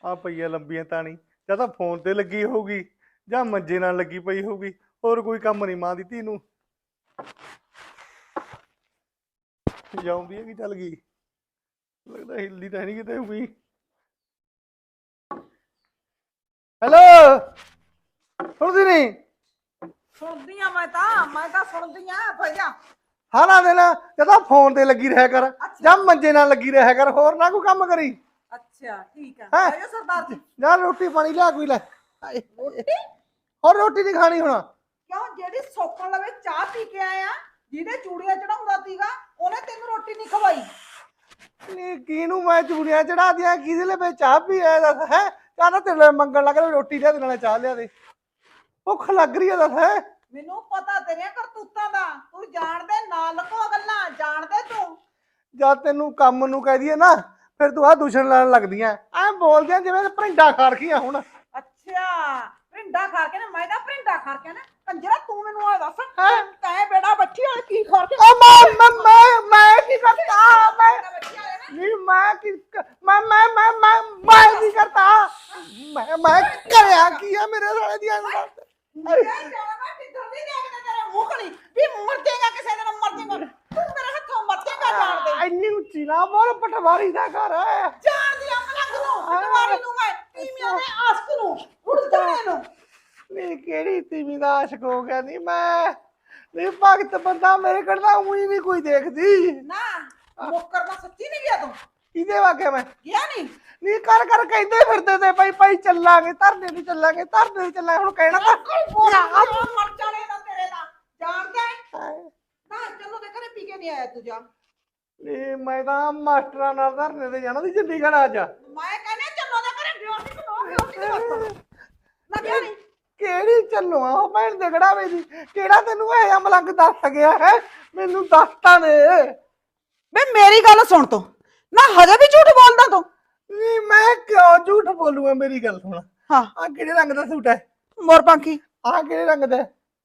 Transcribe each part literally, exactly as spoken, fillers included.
ਆ ਪਈ ਆ ਲੰਬੀਆਂ ਤਾਣੀ, ਜਾਂ ਤਾਂ ਫੋਨ ਤੇ ਲੱਗੀ ਹੋਊਗੀ ਜਾਂ ਮੰਜੇ ਨਾਲ ਲੱਗੀ ਪਈ ਹੋਊਗੀ। ਹੋਰ ਕੋਈ ਕੰਮ ਨਹੀਂ ਮਾਂ ਦੀ ਧੀ ਨੂੰ। ਜਾਉਂਦੀ ਹੈ ਕਿ ਚੱਲ ਗਈ? ਲੱਗਦਾ ਹਿੱਲਦੀ ਤਾਂ ਨਹੀਂ ਕਿਤੇ ਹੋਈ। ਹੈਲੋ, ਸੁਣਦੀ ਨਹੀਂ? ਸੁਣਦੀ ਆ ਮੈਂ ਤਾਂ ਮੈਂ ਤਾਂ ਸੁਣਦੀ ਆ ਭਈਆ। ਹਾਂ ਨਾ ਦੇਣਾ, ਜਾਂ ਤਾਂ ਫੋਨ ਤੇ ਲੱਗੀ ਰਿਹਾ ਕਰ ਜਾਂ ਮੰਜੇ ਨਾਲ ਲੱਗੀ ਰਿਹਾ ਕਰ, ਹੋਰ ਨਾ ਕੋਈ ਕੰਮ ਕਰੀ। ਅੱਛਾ ਠੀਕ ਆ ਹੈਂ? ਆਇਓ ਸਰਦਾਰ ਜੀ। ਜਾ ਰੋਟੀ ਪਾਣੀ ਲਿਆ ਕੋਈ ਲੈ। ਰੋਟੀ ਹੋਰ ਰੋਟੀ ਨਹੀਂ ਖਾਣੀ ਹੁਣ? ਕਿਉਂ? ਜਿਹੜੀ ਸੋਕਣ ਲਵੇ ਚਾਹ ਪੀ ਕੇ ਆਇਆ, ਜਿਹਦੇ ਚੂੜੀਆਂ ਚੜਾਉਂਦਾ ਸੀਗਾ, ਉਹਨੇ ਤੈਨੂੰ ਰੋਟੀ ਨਹੀਂ ਖਵਾਈ। ਨਹੀਂ ਕਿਹਨੂੰ ਮੈਂ ਚੂੜੀਆਂ ਚੜਾ ਦਿਆਂ? ਕਿਹਦੇ ਲਈ ਮੈਂ ਚਾਹ ਪੀ ਆਇਆ ਦੱਸ? ਹੈ ਚਾਹ ਤਾਂ ਤੇਰੇ ਮੰਗਣ ਲੱਗ ਰਿਹਾ, ਰੋਟੀ ਲਿਆ ਦੇ ਨਾਲੇ ਚਾਹ ਲਿਆ ਦੇ। ਭੁੱਖ ਲੱਗ ਰਹੀ ਹੈ ਦੱਸ। ਹੈ ਮੈਨੂੰ ਪਤਾ ਤੇਰੀਆਂ ਕਰਤੂਤਾਂ ਦਾ, ਤੂੰ ਜਾਣਦੇ ਨਾ ਲਕੋ ਗੱਲਾਂ, ਜਾਣਦੇ ਤੂੰ। ਜਦ ਤੈਨੂੰ ਕੰਮ ਨੂੰ ਕਹਿ ਦਈਏ ਨਾ, ਫਿਰ ਤੂੰ ਆਹ ਦੂਸ਼ਣ ਲੈਣ ਲੱਗਦੀਆਂ ਐ, ਬੋਲਦਿਆਂ ਜਿਵੇਂ ਭਰਿੰਡਾ ਖਾ ਰਖੀਆਂ ਹੁਣ। ਅੱਛਾ ਭਿੰਡਾ ਖਾ ਕੇ ਨਾ, ਮੈਂ ਤਾਂ ਭਿੰਡਾ ਖਾ ਕੇ ਨਾ ਕੰਜਰਾ, ਤੂੰ ਮੈਨੂੰ ਆ ਦੱਸ ਹੈਂ? ਤੈਂ ਬੇੜਾ ਬੱਚੀ ਵਾਲੇ ਕੀ ਖਾ ਕੇ? ਓ ਮੈਂ ਮੈਂ ਮੈਂ ਮੈਂ ਕੀ ਕਰਤਾ? ਮੈਂ ਬੱਚੀ ਵਾਲੇ ਨਾ ਨਹੀਂ ਮੈਂ ਕੀ ਮੈਂ ਮੈਂ ਮੈਂ ਮੈਂ ਮੈਂ ਕੀ ਕਰਤਾ? ਮੈਂ ਮੈਂ ਕਰਿਆ ਕੀ ਆ ਮੇਰੇ ਸਾਲੇ ਦੀ ਅੰਦਰ? ਮੇਰੇ ਜਾਣਾ ਮੈਂ ਕਿੱਧਰ ਦੀ ਦੇਖਦੇ ਤੇਰੇ ਮੂੰਹ ਖਣੀ ਵੀ ਮਰ ਜਾਏਗਾ, ਕਿਸੇ ਦਿਨ ਮਰ ਜਾਏਗਾ, ਤੂੰ ਮੇਰੇ ਹੱਥੋਂ ਮਰ ਜਾਏਗਾ। ਜਾਣਦੇ ਇੰਨੀ ਉੱਚੀ ਨਾ ਬੋਲ, ਪਟਵਾਰੀ ਦਾ ਘਰ ਹੈ। ਜਾਣਦੀ ਆ ਮਲੰਗ ਨੂੰ, ਪਟਵਾਰੀ ਨੂੰ, ਮੈਂ ਤੀਵੀਆਂ ਦੇ ਆਸਕ ਨੂੰ, ਉੜ ਜਾਣੇ ਨੂੰ। ਨਹੀਂ ਕਿਹੜੀ ਤੀਵੀਂ ਦਾ ਆਸ਼ਕ ਹੋ ਗਿਆ? ਨਹੀਂ ਮੈਂ ਨਹੀਂ ਭਗਤ ਬੰਦਾ, ਮੇਰੇ ਕੋਲ ਤਾਂ ਉਹੀ ਨਹੀਂ ਕੋਈ ਦੇਖਦੀ। ਨਾ ਮੁੱਕਰ ਦਾ ਸੱਚੀ ਨਹੀਂ ਗਿਆ ਤੂੰ? ਕਿਹਦੇ ਵਾਕਿਆ ਮੈਂ ਗਿਆ ਨਹੀਂ? ਨਹੀਂ ਕਰ ਕਰ ਕਹਿੰਦੇ ਫਿਰਦੇ ਤੇ ਭਾਈ ਭਾਈ ਚੱਲਾਂਗੇ, ਧਰਨੇ ਤੇ ਚੱਲਾਂਗੇ, ਧਰਨੇ ਤੇ ਚੱਲਾਂਗੇ। ਹੁਣ ਕਹਿਣਾ ਤਾਂ ਮਰ ਜਾਣੇ ਦਾ ਤੇਰੇ ਦਾ, ਜਾਣਦਾ ਹੈ? ਨਾ ਚਲੋ ਦੇ ਘਰੇ ਪੀ ਕੇ ਨਹੀਂ ਆਇਆ ਤੂੰ, ਜਾ। ਨਹੀਂ ਮੈਂ ਤਾਂ ਮਾਸਟਰਾਂ ਨਾਲ ਧਰਨੇ ਤੇ ਜਾਣਾ ਸੀ ਚੰਡੀਗੜ੍ਹ ਅੱਜ। ਮੈਂ ਕਹਿੰਦਾ ਚਲੋ ਦੇ ਘਰੇ ਬਿਓਟੀ ਨੂੰ ਬਿਓਟੀ ਦੇ ਵਾਸਤੇ ਨਾ ਗਿਆ ਨਹੀਂ। ਕਿਹੜੀ ਚੱਲੋ ਆ ਉਹ ਭੈਣ ਦੇ ਗੜਾਵੇ ਦੀ? ਕਿਹੜਾ ਤੈਨੂੰ ਇਹ ਮਲੰਗ ਦੱਸ ਗਿਆ ਹੈ? ਮੈਨੂੰ ਦੱਸਤਾ ਨੇ। ਬੇ ਮੇਰੀ ਗੱਲ ਸੁਣ ਤੂੰ, ਨਾ ਹਜੇ ਵੀ ਝੂਠ ਬੋਲਦਾ ਤੂੰ? ਨਹੀਂ ਮੈਂ ਕਿਉਂ ਝੂਠ ਬੋਲੂਗਾ? ਮੇਰੀ ਗੱਲ ਸੁਣ, ਹਾਂ ਆ ਕਿਹੜੇ ਰੰਗ ਦਾ ਸੂਟ ਹੈ? ਮੋਰ ਪੰਖੀ। ਆ ਕਿਹੜੇ ਰੰਗ ਦਾ?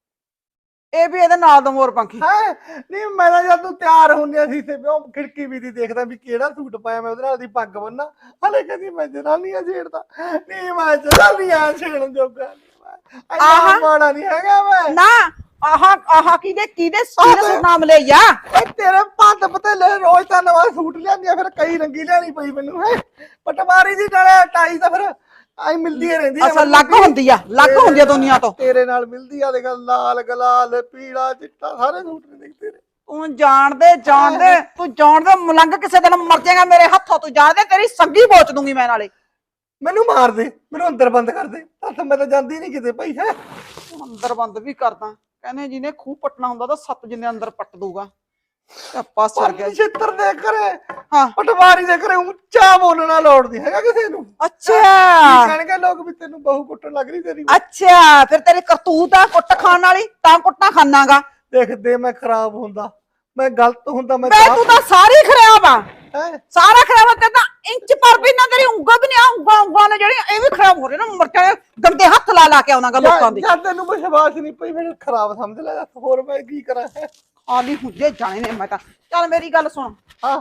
ਇਹ ਵੀ ਇਹਦੇ ਨਾਲ ਦਾ ਮੋਰ ਪੰਖੀ। ਹੈ ਨਹੀਂ ਮੈਂ ਤਾਂ ਜਦ ਤੂੰ ਤਿਆਰ ਹੁੰਦੀ ਸੀ ਤੇ ਉਹ ਖਿੜਕੀ ਵੀ ਦੀ ਦੇਖਦਾ ਵੀ ਕਿਹੜਾ ਸੂਟ ਪਾਇਆ ਮੈਂ, ਉਹਦੇ ਨਾਲ ਦੀ ਪੱਗ ਬੰਨਾ। ਹਲੇ ਕਹਿੰਦੀ ਮੈਂ ਜਨਾਨੀਆਂ ਛੇੜਦਾ। ਨਹੀਂ ਮੈਂ ਜਨਾਨੀਆਂ ਛੇੜਨ ਜੋਗਾ ਆਹ ਮਾੜਾ ਨਹੀਂ ਹੈਗਾ ਮੈਂ। ਨਾ ਆਹ ਆਹ ਕਿਹਦੇ ਕਿਹਦੇ ਕਿਹਦੇ ਨਾਮ ਲੈ ਜਾ? ਓਏ ਤੇਰੇ ਪੱਤ ਪਤੇਲੇ ਰੋਜ਼ ਤਾਂ ਨਵਾਂ ਸੂਟ ਲਿਆਂਦੀ ਆ, ਫਿਰ ਕਈ ਰੰਗੀ ਲਿਆਣੀ ਪਈ ਮੈਨੂੰ। ਹੈ ਪਟਵਾਰੀ ਦੀ ਨਾਲੇ ਟਾਈ ਤਾਂ ਫਿਰ ਆਈ ਮਿਲਦੀ ਰਹਿੰਦੀ ਆ। ਅਸਲ ਲੱਗ ਹੁੰਦੀ ਆ, ਲੱਗ ਹੁੰਦੀ ਆ ਦੁਨੀਆ ਤੋਂ। ਤੇਰੇ ਨਾਲ ਮਿਲਦੀ ਆ, ਦੇਖ ਲਾਲ ਗਲਾਲ ਪੀਲਾ ਚਿੱਟਾ ਸਾਰੇ ਸੂਟ ਨੇ ਦੇਖ ਤੇਰੇ। ਤੂੰ ਜਾਣਦੇ ਜਾਣਦੇ ਤੂੰ ਜਾਣਦੇ ਮਲੰਗ ਕਿਸੇ ਦਿਨ ਮਰ ਜਾਏਗਾ ਮੇਰੇ ਹੱਥੋਂ। ਤੂੰ ਜਾਣਦੇ ਤੇਰੀ ਸੰਗੀ ਬੋਚ ਦੂੰਗੀ ਮੈਂ ਨਾਲੇ। ਮੈਨੂੰ ਮਾਰ ਦੇ, ਮੈਨੂੰ ਅੰਦਰ ਬੰਦ ਕਰ ਦੇ। ਹੱਥ ਮੈਂ ਤਾਂ ਜਾਂਦੀ ਨਹੀਂ ਕਿਤੇ ਭਾਈ। ਹੈ ਅੰਦਰ ਬੰਦ ਵੀ ਕਰਦਾ, ਕਹਿੰਦੇ ਜਿਹਨੇ ਖੂਹ ਪੱਟਣਾ ਹੁੰਦਾ ਤਾਂ ਸੱਤ ਜਿੰਨੇ ਅੰਦਰ ਪੱਟ ਦੂਗਾ। ਆਪਾ ਸਰ ਗਿਆ ਛਿੱਤਰ ਦੇ ਘਰੇ, ਹਾਂ ਪਟਵਾਰੀ ਦੇ ਘਰੇ ਉੱਚਾ ਬੋਲਣਾ ਲੋੜਦੀ ਹੈਗਾ ਕਿਸੇ ਨੂੰ। ਅੱਛਾ ਕਹਿਣਗੇ ਲੋਕ ਵੀ ਤੈਨੂੰ ਬਹੂ ਕੁੱਟਣ ਲੱਗ ਰਹੀ ਤੇਰੀ। ਅੱਛਾ ਫਿਰ ਤੇਰੀ ਕਰਤੂਤ ਆ ਕੁੱਟ ਖਾਣ ਵਾਲੀ, ਤਾਂ ਕੁੱਟਾਂ ਖਾਨਾਗਾ। ਦੇਖਦੇ ਮੈਂ ਖਰਾਬ ਹੁੰਦਾ, ਮੈਂ ਗਲਤ ਹੁੰਦਾ, ਮੈਂ ਤੂੰ ਤਾਂ ਸਾਰੀ ਖਰਾਬ ਆ। ਹੈ ਸਾਰਾ ਖਰਾਬ ਆ, ਤੇ ਤਾਂ ਇੰਚ ਪਰ ਵੀ ਨਾ ਤੇਰੀ ਉਂਗਲ ਵੀ ਨਹੀਂ ਆ। ਉਂਗਲਾਂ ਉਂਗਲਾਂ ਨੇ ਜਿਹੜੀਆਂ ਇਹ ਵੀ ਖਰਾਬ ਹੋ ਰਹੇ ਨਾ, ਮਰ ਕੇ ਗੰਦੇ ਹੱਥ ਲਾ ਲਾ ਕੇ ਆਉਣਾਗਾ ਲੋਕਾਂ ਦੇ। ਜਦ ਤੈਨੂੰ ਵਿਸ਼ਵਾਸ ਨਹੀਂ ਪਈ ਮੈਨੂੰ ਖਰਾਬ ਸਮਝ ਲੈ, ਹੋਰ ਮੈਂ ਕੀ ਕਰਾਂ? ਆਲੀ ਹੁੰਦੇ ਜਾਣੇ ਨੇ ਮੈਂ ਤਾਂ। ਚੱਲ ਮੇਰੀ ਗੱਲ ਸੁਣ, ਹਾਂ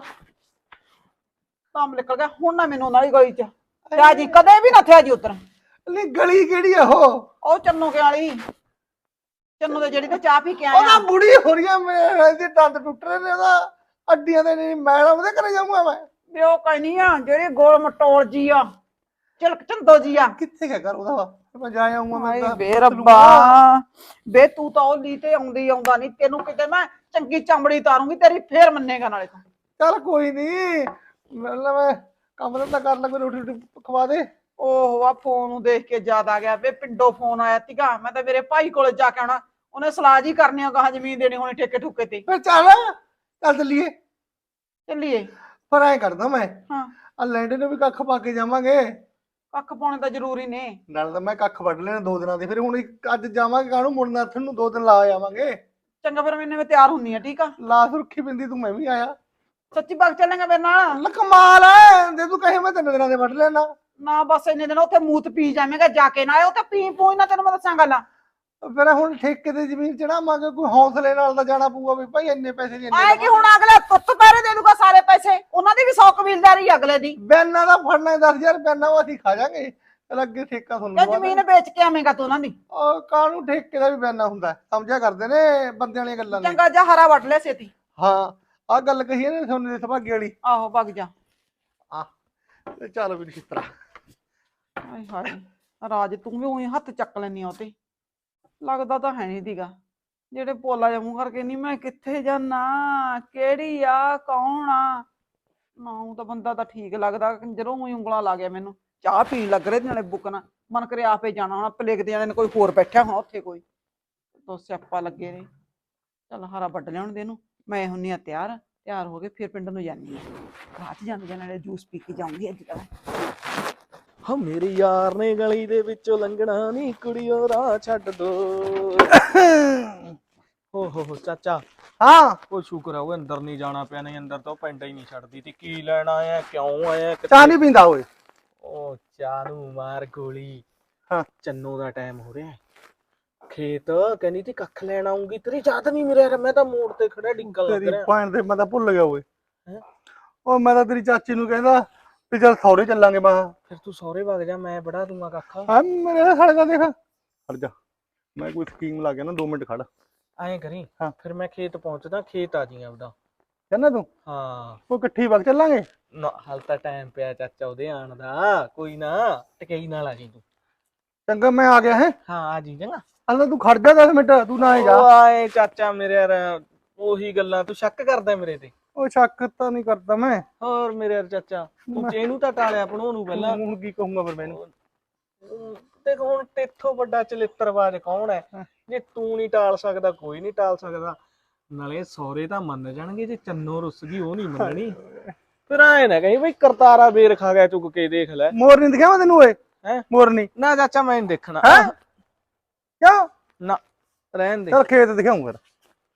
ਕੰਮ ਨਿਕਲ ਗਿਆ ਹੁਣ ਨਾ ਮੈਨੂੰ ਨਾਲੀ ਗਲੀ ਚ ਥਿਆ ਜੀ, ਕਦੇ ਵੀ ਨਾ ਥਿਆ ਜੀ ਉਧਰ। ਨਹੀਂ ਗਲੀ ਕਿਹੜੀ ਆ ਉਹ? ਉਹ ਚੰਨੂ ਕੇ ਵਾਲੀ, ਚੰਨੂ ਦੇ ਜਿਹੜੀ ਤੇ ਚਾਹ ਪੀ ਕੇ ਆਇਆ। ਉਹਦਾ ਬੁੜੀ ਹੋ ਰਹੀ ਆ, ਮੇਰੇ ਇਹਦੇ ਦੰਦ ਟੁੱਟ ਰਹੇ ਨੇ, ਉਹਦਾ ਅੱਡੀਆਂ ਦੇ ਨਹੀਂ ਮੈਲ, ਉਹਦੇ ਘਰੇ ਜਾਊਂਗਾ ਮੈਂ। ਵੀ ਉਹ ਕਹਿਨੀ ਆ ਜਿਹੜੀ ਗੋਲ ਮਟੋਲ ਜੀ ਆ, ਚਿਲਕ ਚੰਦੋ ਜੀ ਆ। ਕਿੱਥੇ ਗਿਆ ਘਰ ਉਹਦਾ? ਮੈਂ ਜਾ ਆਉਂਗਾ ਮੈਂ ਤਾਂ। ਬੇ ਰੱਬਾ ਬੇ ਤੂੰ ਤਾਂ ਉਹ ਲੀ ਤੇ ਆਉਂਦੀ ਆਉਂਦਾ ਨਹੀਂ, ਤੈਨੂੰ ਕਿਤੇ ਮੈਂ ਚੰਗੀ ਚਮੜੀ ਤਾਰੂੰਗੀ ਤੇਰੀ, ਫੇਰ ਮੰਨੇਗਾ ਨਾਲੇ ਤੂੰ। ਚੱਲ ਕੋਈ ਨਹੀਂ, ਮਤਲਬ ਮੈਂ ਕੰਮ ਧੰਦਾ ਕਰ ਲਾ, ਕੋਈ ਰੋਟੀ ਰੋਟੀ ਖਵਾ ਦੇ। ਓਹ ਆ ਫੋਨ ਨੂੰ ਦੇਖ ਕੇ ਯਾਦ ਆ ਗਿਆ, ਵੇ ਪਿੰਡੋਂ ਫੋਨ ਆਇਆ ਸੀਗਾ। ਮੈਂ ਤਾਂ ਮੇਰੇ ਭਾਈ ਕੋਲੇ ਜਾ ਕੇ ਆਉਣਾ, ਉਹਨੇ ਸਲਾਹ ਜੀ ਕਰਨੀ ਆ, ਗਾਹਾਂ ਜ਼ਮੀਨ ਦੇਣੀ ਹੋਣੀ ਠੇਕੇ ਠੁਕੇ ਤੇ। ਫਿਰ ਚੱਲ ਚੱਲ ਚੱਲੀਏ। ਚੱਲੀਏ ਪਰ ਐਂ ਕਰਦਾ ਮੈਂ, ਹਾਂ ਆ ਲੈਂਡੇ ਨੂੰ ਵੀ ਕੱਖ ਪਾ ਕੇ ਜਾਵਾਂਗੇ। ਕੱਖ ਪਾਉਣੇ ਤਾਂ ਜ਼ਰੂਰੀ ਨੇ। ਨਾਲ ਤਾਂ ਮੈਂ ਕੱਖ ਵੱਢ ਲੈਣਾ ਦੋ ਦਿਨਾਂ ਦੇ, ਫਿਰ ਹੁਣ ਅੱਜ ਜਾਵਾਂਗੇ ਕਾਹਨੂੰ ਮੁੜਨਾ, ਇੱਥੇ ਨੂੰ ਦੋ ਦਿਨ ਲਾ ਆਵਾਂਗੇ। ਚੰਗਾ ਫਿਰ ਮੈਨੇ ਮੈਂ ਤਿਆਰ ਹੁੰਨੀ ਆ, ਠੀਕ ਆ? ਲਾ ਸੁਰਖੀ ਬਿੰਦੀ ਤੂੰ, ਮੈਂ ਵੀ ਆਇਆ। ਸੱਚੀ ਬਾਗ ਚੱਲਾਂਗਾ ਮੇਰੇ ਨਾਲ? ਲੈ ਕਮਾਲ ਹੈ, ਜੇ ਤੂੰ ਕਹੇ ਮੈਂ ਤਿੰਨ ਦਿਨਾਂ ਦੇ ਵੱਢ ਲੈਣਾ। ਨਾ ਬਸ ਇੰਨੇ ਦਿਨ ਉੱਥੇ ਮੂਤ ਪੀ ਜਾਵੇਂਗਾ ਜਾ ਕੇ, ਨਾ ਉਹ ਤਾਂ ਪੀ ਪੂਈ ਨਾ, ਤੈਨੂੰ ਮੈਂ ਦੱਸਾਂ ਗੱਲਾਂ। ਫਿਰ ਹੁਣ ਠੇਕੇ ਤੇ ਜ਼ਮੀਨ ਚੜਾਵਾਂਗੇ, ਕੋਈ ਹੌਸਲੇ ਨਾਲ ਤਾਂ ਜਾਣਾ ਪਊਗਾ ਵੀ ਭਾਈ ਇੰਨੇ ਪੈਸੇ ਦੀ ਇੰਨੇ ਆਏ ਕਿ ਹੁਣ ਅਗਲੇ ਤੁੱਤ ਪੈਰੇ ਦੇ ਦੂਗਾ ਸਾਰੇ ਪੈਸੇ, ਉਹਨਾਂ ਦੀ ਵੀ ਸੌ ਕਬੀਲਦਾਰੀ ਅਗਲੇ ਦੀ। ਬੈਨਾਂ ਦਾ ਫੜਨਾ ਦਸ ਹਜ਼ਾਰ ਬੈਨਾਂ ਉਹ ਅਸੀਂ ਖਾ ਜਾਾਂਗੇ, ਅੱਗੇ ਠੇਕਾ ਤੁਹਾਨੂੰ ਇਹ ਜ਼ਮੀਨ ਵੇਚ ਕੇ ਆਵੇਂਗਾ ਤੂੰ ਉਹਨਾਂ ਦੀ। ਉਹ ਕਾਹਨੂੰ ਠੇਕੇ ਦਾ ਵੀ ਬੈਨਾ ਹੁੰਦਾ, ਸਮਝਿਆ ਕਰਦੇ ਨੇ ਬੰਦਿਆਂ ਵਾਲੀਆਂ ਗੱਲਾਂ ਨੇ। ਚੰਗਾ ਜਾ ਹਰਾ ਵੱਢ ਲਿਆ ਛੇਤੀ। ਹਾਂ ਆਹ ਗੱਲ ਕਹੀ ਨੇ ਸੋਨੇ ਦੇ ਸੁਭਾਗੇ ਵਾਲੀ। ਆਹੋ ਭੱਗ ਜਾ। ਆ ਤੇ ਚੱਲ ਵੀ ਨਛਿੱਤਰਾ। ਹਾਏ ਹਾਏ ਰਾਜ ਤੂੰ ਵੀ ਉਹੀ ਹੱਥ ਚੱਕ ਲੈਨੀ ਆ ਉਤੇ, ਲੱਗਦਾ ਤਾਂ ਹੈ ਨਹੀਂ ਦੀਗਾ। ਜਿਹੜੇ ਪੋਲਾ ਜਿਹਾ ਮੂੰਹ ਕਰਕੇ ਨਹੀਂ ਮੈਂ ਕਿੱਥੇ ਜਾਣਾ, ਕਿਹੜੀ ਆ, ਕੌਣ ਆ ਨਾ, ਉਹ ਤਾਂ ਬੰਦਾ ਤਾਂ ਠੀਕ ਲੱਗਦਾ, ਜਦੋਂ ਉਹੀ ਉਂਗਲਾਂ ਲਾ ਗਿਆ ਮੈਨੂੰ। ਚਾਹ ਪੀਣ ਲੱਗ ਰਹੇ ਨਾਲੇ ਬੁੱਕਣਾ, ਮਨ ਕਰੇ ਆਪੇ ਜਾਣਾ ਹੋਣਾ, ਪਲੇਕਦੇ ਜਾਂਦੇ ਨੇ ਕੋਈ ਹੋਰ ਬੈਠਾ ਹੋਣਾ ਉੱਥੇ, ਕੋਈ ਦੋ ਸਿਆਪਾ ਲੱਗੇ ਨੇ। ਚੱਲ ਹਰਾ ਵੱਢ ਲਿਆਉਣ ਦੇ ਇਹਨੂੰ, ਮੈਂ ਹੁੰਨੀ ਆ ਤਿਆਰ, ਤਿਆਰ ਹੋ ਕੇ ਫਿਰ ਪਿੰਡ ਨੂੰ ਜਾਂਦੀ ਹਾਂ। ਰਾਹ 'ਚ ਜਾਂਦੇ ਜਾਂਦੇ ਨਾਲੇ ਜੂਸ ਪੀ ਕੇ ਜਾਊਂਗੀ ਅੱਜ ਤਾਂ। ਹਾਂ ਮੇਰੇ ਯਾਰ ਨੇ ਗਲੀ ਦੇ ਵਿੱਚੋਂ ਲੰਘਣਾ ਨੀ ਕੁੜੀਓ ਰਾਹ ਛੱਡ ਦੋ। ਹੋ ਹੋ ਹੋ ਚਾਚਾ, ਹਾਂ ਉਹ ਸ਼ੁਕਰ ਆ ਉਹ ਅੰਦਰ ਨਹੀਂ ਜਾਣਾ ਪਿਆ, ਨਹੀਂ ਅੰਦਰ ਤਾਂ ਉਹ ਪੈਂਡਾ ਹੀ ਨਹੀਂ ਛੱਡਦੀ ਤੀ। ਕੀ ਲੈਣ ਆਇਆ, ਕਿਉਂ ਆਇਆ, ਚਾਹ ਨਹੀਂ ਪੀਂਦਾ ਓਏ? ਉਹ ਚਾਹ ਨੂੰ ਮਾਰ ਗੋਲੀ। ਹਾਂ ਚੰਨੋ ਦਾ ਟਾਈਮ ਹੋ ਰਿਹਾ, ਖੇਤ ਕਹਿੰਦੀ ਤੀ ਕੱਖ ਲੈਣ ਆਉਂਗੀ, ਤੇਰੀ ਯਾਦ ਨਹੀਂ ਮੇਰੇ ਯਾਰ, ਮੈਂ ਤਾਂ ਮੋੜ ਤੇ ਖੜਾ ਡਿੱਗਣ ਲੱਗ ਤੇਰੀ ਰਿਹਾ। ਭੈਣ ਦੇ ਮੈਂ ਤਾਂ ਭੁੱਲ ਗਿਆ ਓਏ। ਹੈਂ? ਉਹ ਮੈਂ ਤਾਂ ਤੇਰੀ ਚਾਚੀ ਨੂੰ ਕਹਿੰਦਾ ਵੀ ਚੱਲ ਸਹੁਰੇ ਚੱਲਾਂਗੇ। ਮੈਂ ਫਿਰ ਤੂੰ ਸਹੁਰੇ ਵਗ ਜਾ, ਮੈਂ ਬੜਾ ਦੂੰਗਾ ਕੱਖ। ਹਾਂ ਮੇਰੇ ਸਾਲੇ ਦਾ ਦੇਖ, ਖੜ ਜਾ ਮੈਂ ਕੋਈ ਸਕੀਮ ਲਾ ਗਿਆ ਨਾ, ਦੋ ਮਿੰਟ ਖੜ। ਐਂ ਕਰੀ ਹਾਂ ਫਿਰ ਮੈਂ ਖੇਤ ਪਹੁੰਚਦਾ, ਖੇਤ ਆ ਜੀ ਆਪਦਾ। ਕਹਿੰਦਾ ਤੂੰ ਹਾਂ ਉਹ ਇਕੱਠੀ ਵਗ ਚੱਲਾਂਗੇ। ਨਾ ਹਾਲ ਤਾਂ ਟਾਈਮ ਪਿਆ ਚਾਚਾ ਉਹਦੇ ਆਣ ਦਾ, ਕੋਈ ਨਾ ਟਕਈ ਨਾਲ ਆ ਜੀ ਤੂੰ। ਚੰਗਾ ਮੈਂ ਆ ਗਿਆ ਹੈ। ਹਾਂ ਆ ਜੀ ਚੰਗਾ। ਹਲੇ ਤੂੰ ਖੜ ਜਾ ਦਸ ਮਿੰਟ, ਤੂੰ ਨਾ ਜਾ। ਉਹ ਆਏ ਚਾਚਾ ਮੇਰੇ ਯਾਰ, ਉਹੀ ਗੱਲਾਂ ਤੂੰ ਸ਼ੱਕ ਕਰਦਾ ਮੇਰੇ ਤੇ। ਉਹ ਸ਼ੱਕ ਤਾਂ ਨਹੀਂ ਕਰਦਾ ਮੈਂ। ਹੋਰ ਮੇਰੇ ਯਾਰ ਚਾਚਾ ਤੂੰ ਚੇਨੂੰ ਤਾਂ ਟਾਲਿਆ ਪਣੋ ਨੂੰ ਪਹਿਲਾਂ। ਹੁਣ ਕੀ ਕਹੂੰਗਾ ਫਿਰ ਮੈਨੂੰ? ਦੇਖ ਹੁਣ ਤੇਥੋਂ ਵੱਡਾ ਚਲਿੱਤਰਬਾਜ਼ ਕੌਣ ਹੈ? ਜੇ ਤੂੰ ਨਹੀਂ ਟਾਲ ਸਕਦਾ ਕੋਈ ਨਹੀਂ ਟਾਲ ਸਕਦਾ। ਨਾਲੇ ਸਹੁਰੇ ਤਾਂ ਮੰਨ ਜਾਣਗੇ, ਜੇ ਚੰਨੋ ਰੁੱਸ ਗਈ ਉਹ ਨਹੀਂ ਮੰਨਣੀ। ਫਿਰ ਆਏ ਨਾ ਕਹੀਂ ਬਈ ਕਰਤਾਰਾ ਬੇਰ ਖਾ ਗਿਆ ਚੁੱਕ ਕੇ, ਦੇਖ ਲੈ। ਮੋਰ ਨਹੀਂ ਦਿਖਿਆ ਮੈਂ ਤੈਨੂੰ ਓਏ? ਹੈ ਮੋਰ ਨਹੀਂ ਨਾ ਚਾਚਾ ਮੈਂ ਨਹੀਂ ਦੇਖਣਾ। ਹੈ ਕਿਉਂ? ਨਾ ਰਹਿਣ ਦੇ। ਚਲ ਖੇਤ ਦਿਖਾਉਂ ਫਿਰ।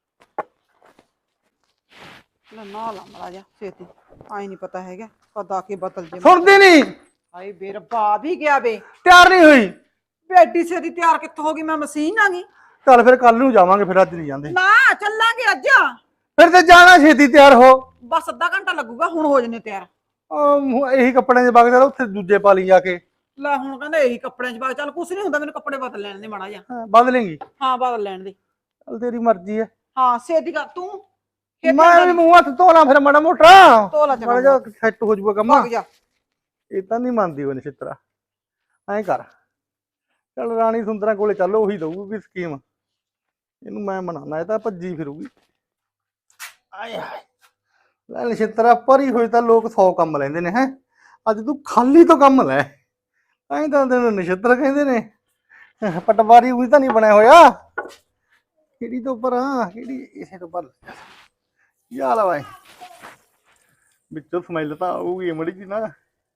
ਨਾ ਲਾ ਮੜਾ ਜਾ ਛੇਤੀ, ਆਈ ਨਹੀਂ ਪਤਾ ਹੈਗਾ ਕਦ ਆ ਕੇ ਬਦਲ ਜੇ। ਸੁਣਦੀ ਨਹੀਂ? ਹਾਏ ਬੇ ਰੱਬਾ ਵੀ ਗਿਆ ਬੇ, ਤਿਆਰ ਨਹੀਂ ਹੋਈ? ਬੇਟੀ ਛੇਤੀ ਤਿਆਰ ਕਿੱਥੋਂ ਹੋ ਗਈ, ਮੈਂ ਮਸ਼ੀਨ ਆ ਗਈ। ਚੱਲ ਫਿਰ ਕੱਲ ਨੂੰ ਜਾਵਾਂਗੇ, ਫਿਰ ਅੱਜ ਨਹੀਂ ਜਾਂਦੇ। ਨਾ ਚੱਲਾਂਗੇ ਅੱਜ, ਫਿਰ ਤੇ ਜਾਣਾ ਛੇਤੀ ਤਿਆਰ ਹੋ। ਬਸ ਅੱਧਾ ਘੰਟਾ ਲੱਗੂਗਾ, ਹੁਣ ਹੋ ਜਨੇ ਤਿਆਰ। ਆਹ, ਇਹੀ ਕੱਪੜਿਆਂ 'ਚ ਵਗ ਜਾ, ਉੱਥੇ ਦੂਜੇ ਪਾ ਲਈ ਜਾ ਕੇ। ਲੈ ਹੁਣ ਕਹਿੰਦੇ ਇਹੀ ਕੱਪੜਿਆਂ 'ਚ ਬਾਅਦ, ਚੱਲ ਕੁਛ ਨਹੀਂ ਹੁੰਦਾ, ਮੈਨੂੰ ਕੱਪੜੇ ਬਦਲ ਲੈਣ ਦੇ ਮਾੜਾ ਜਿਹਾ। ਹਾਂ, ਬਦਲੇਂਗੀ? ਹਾਂ ਬਦਲ ਲੈਣ ਦੇ। ਚੱਲ ਤੇਰੀ ਮਰਜ਼ੀ ਹੈ। ਹਾਂ ਛੇਤੀ ਕਰ ਤੂੰ। ਮੈਂ ਵੀ ਮੂੰਹ ਹੱਥ ਧੋ ਲਾਂ ਫਿਰ ਮਾੜਾ ਮੋਟਾ, ਧੋ ਲਾ ਚੰਗਾ, ਮਾੜਾ ਜਿਹਾ ਸੈੱਟ ਹੋ ਜਾਊਗਾ ਕੰਮ। ਭੱਗ ਜਾ। ਇਹ ਤਾਂ ਨਹੀਂ ਮੰਨਦੀ ਉਹ ਨਛਿੱਤਰਾ, ਐਂ ਕਰ ਚੱਲ ਰਾਣੀ ਸੁੰਦਰਾਂ ਕੋਲੇ ਚੱਲ, ਉਹੀ ਦਊਗੀ ਸਕੀਮ। ਇਹਨੂੰ ਮੈਂ ਮਨਾਉਣਾ, ਇਹ ਤਾਂ ਭੱਜੀ ਫਿਰੂਗੀ। ਆਏ ਹਾਏ ਲੈ ਨਛਿੱਤਰਾ, ਭਰੀ ਹੋਈ ਤਾਂ ਲੋਕ ਸੌ ਕੰਮ ਲੈਂਦੇ ਨੇ। ਹੈ ਅੱਜ ਤੂੰ ਖਾਲੀ ਤੋਂ ਕੰਮ ਲੈ, ਐਂ ਤਾਂ ਤੈਨੂੰ ਨਛਿੱਤਰ ਕਹਿੰਦੇ ਨੇ। ਪਟਵਾਰੀ ਉਹੀ ਤਾਂ ਨਹੀਂ ਬਣਿਆ ਹੋਇਆ। ਕਿਹੜੀ ਤੋਂ ਉੱਪਰ ਆ, ਕਿਹੜੀ ਇਸੇ ਤੋਂ ਉੱਪਰ ਯਾਰ ਬਾਈ, ਵਿੱਚੋਂ ਸਮੈਲ ਤਾਂ ਆਊਗੀ ਮੜੀ ਜੀ ਨਾ।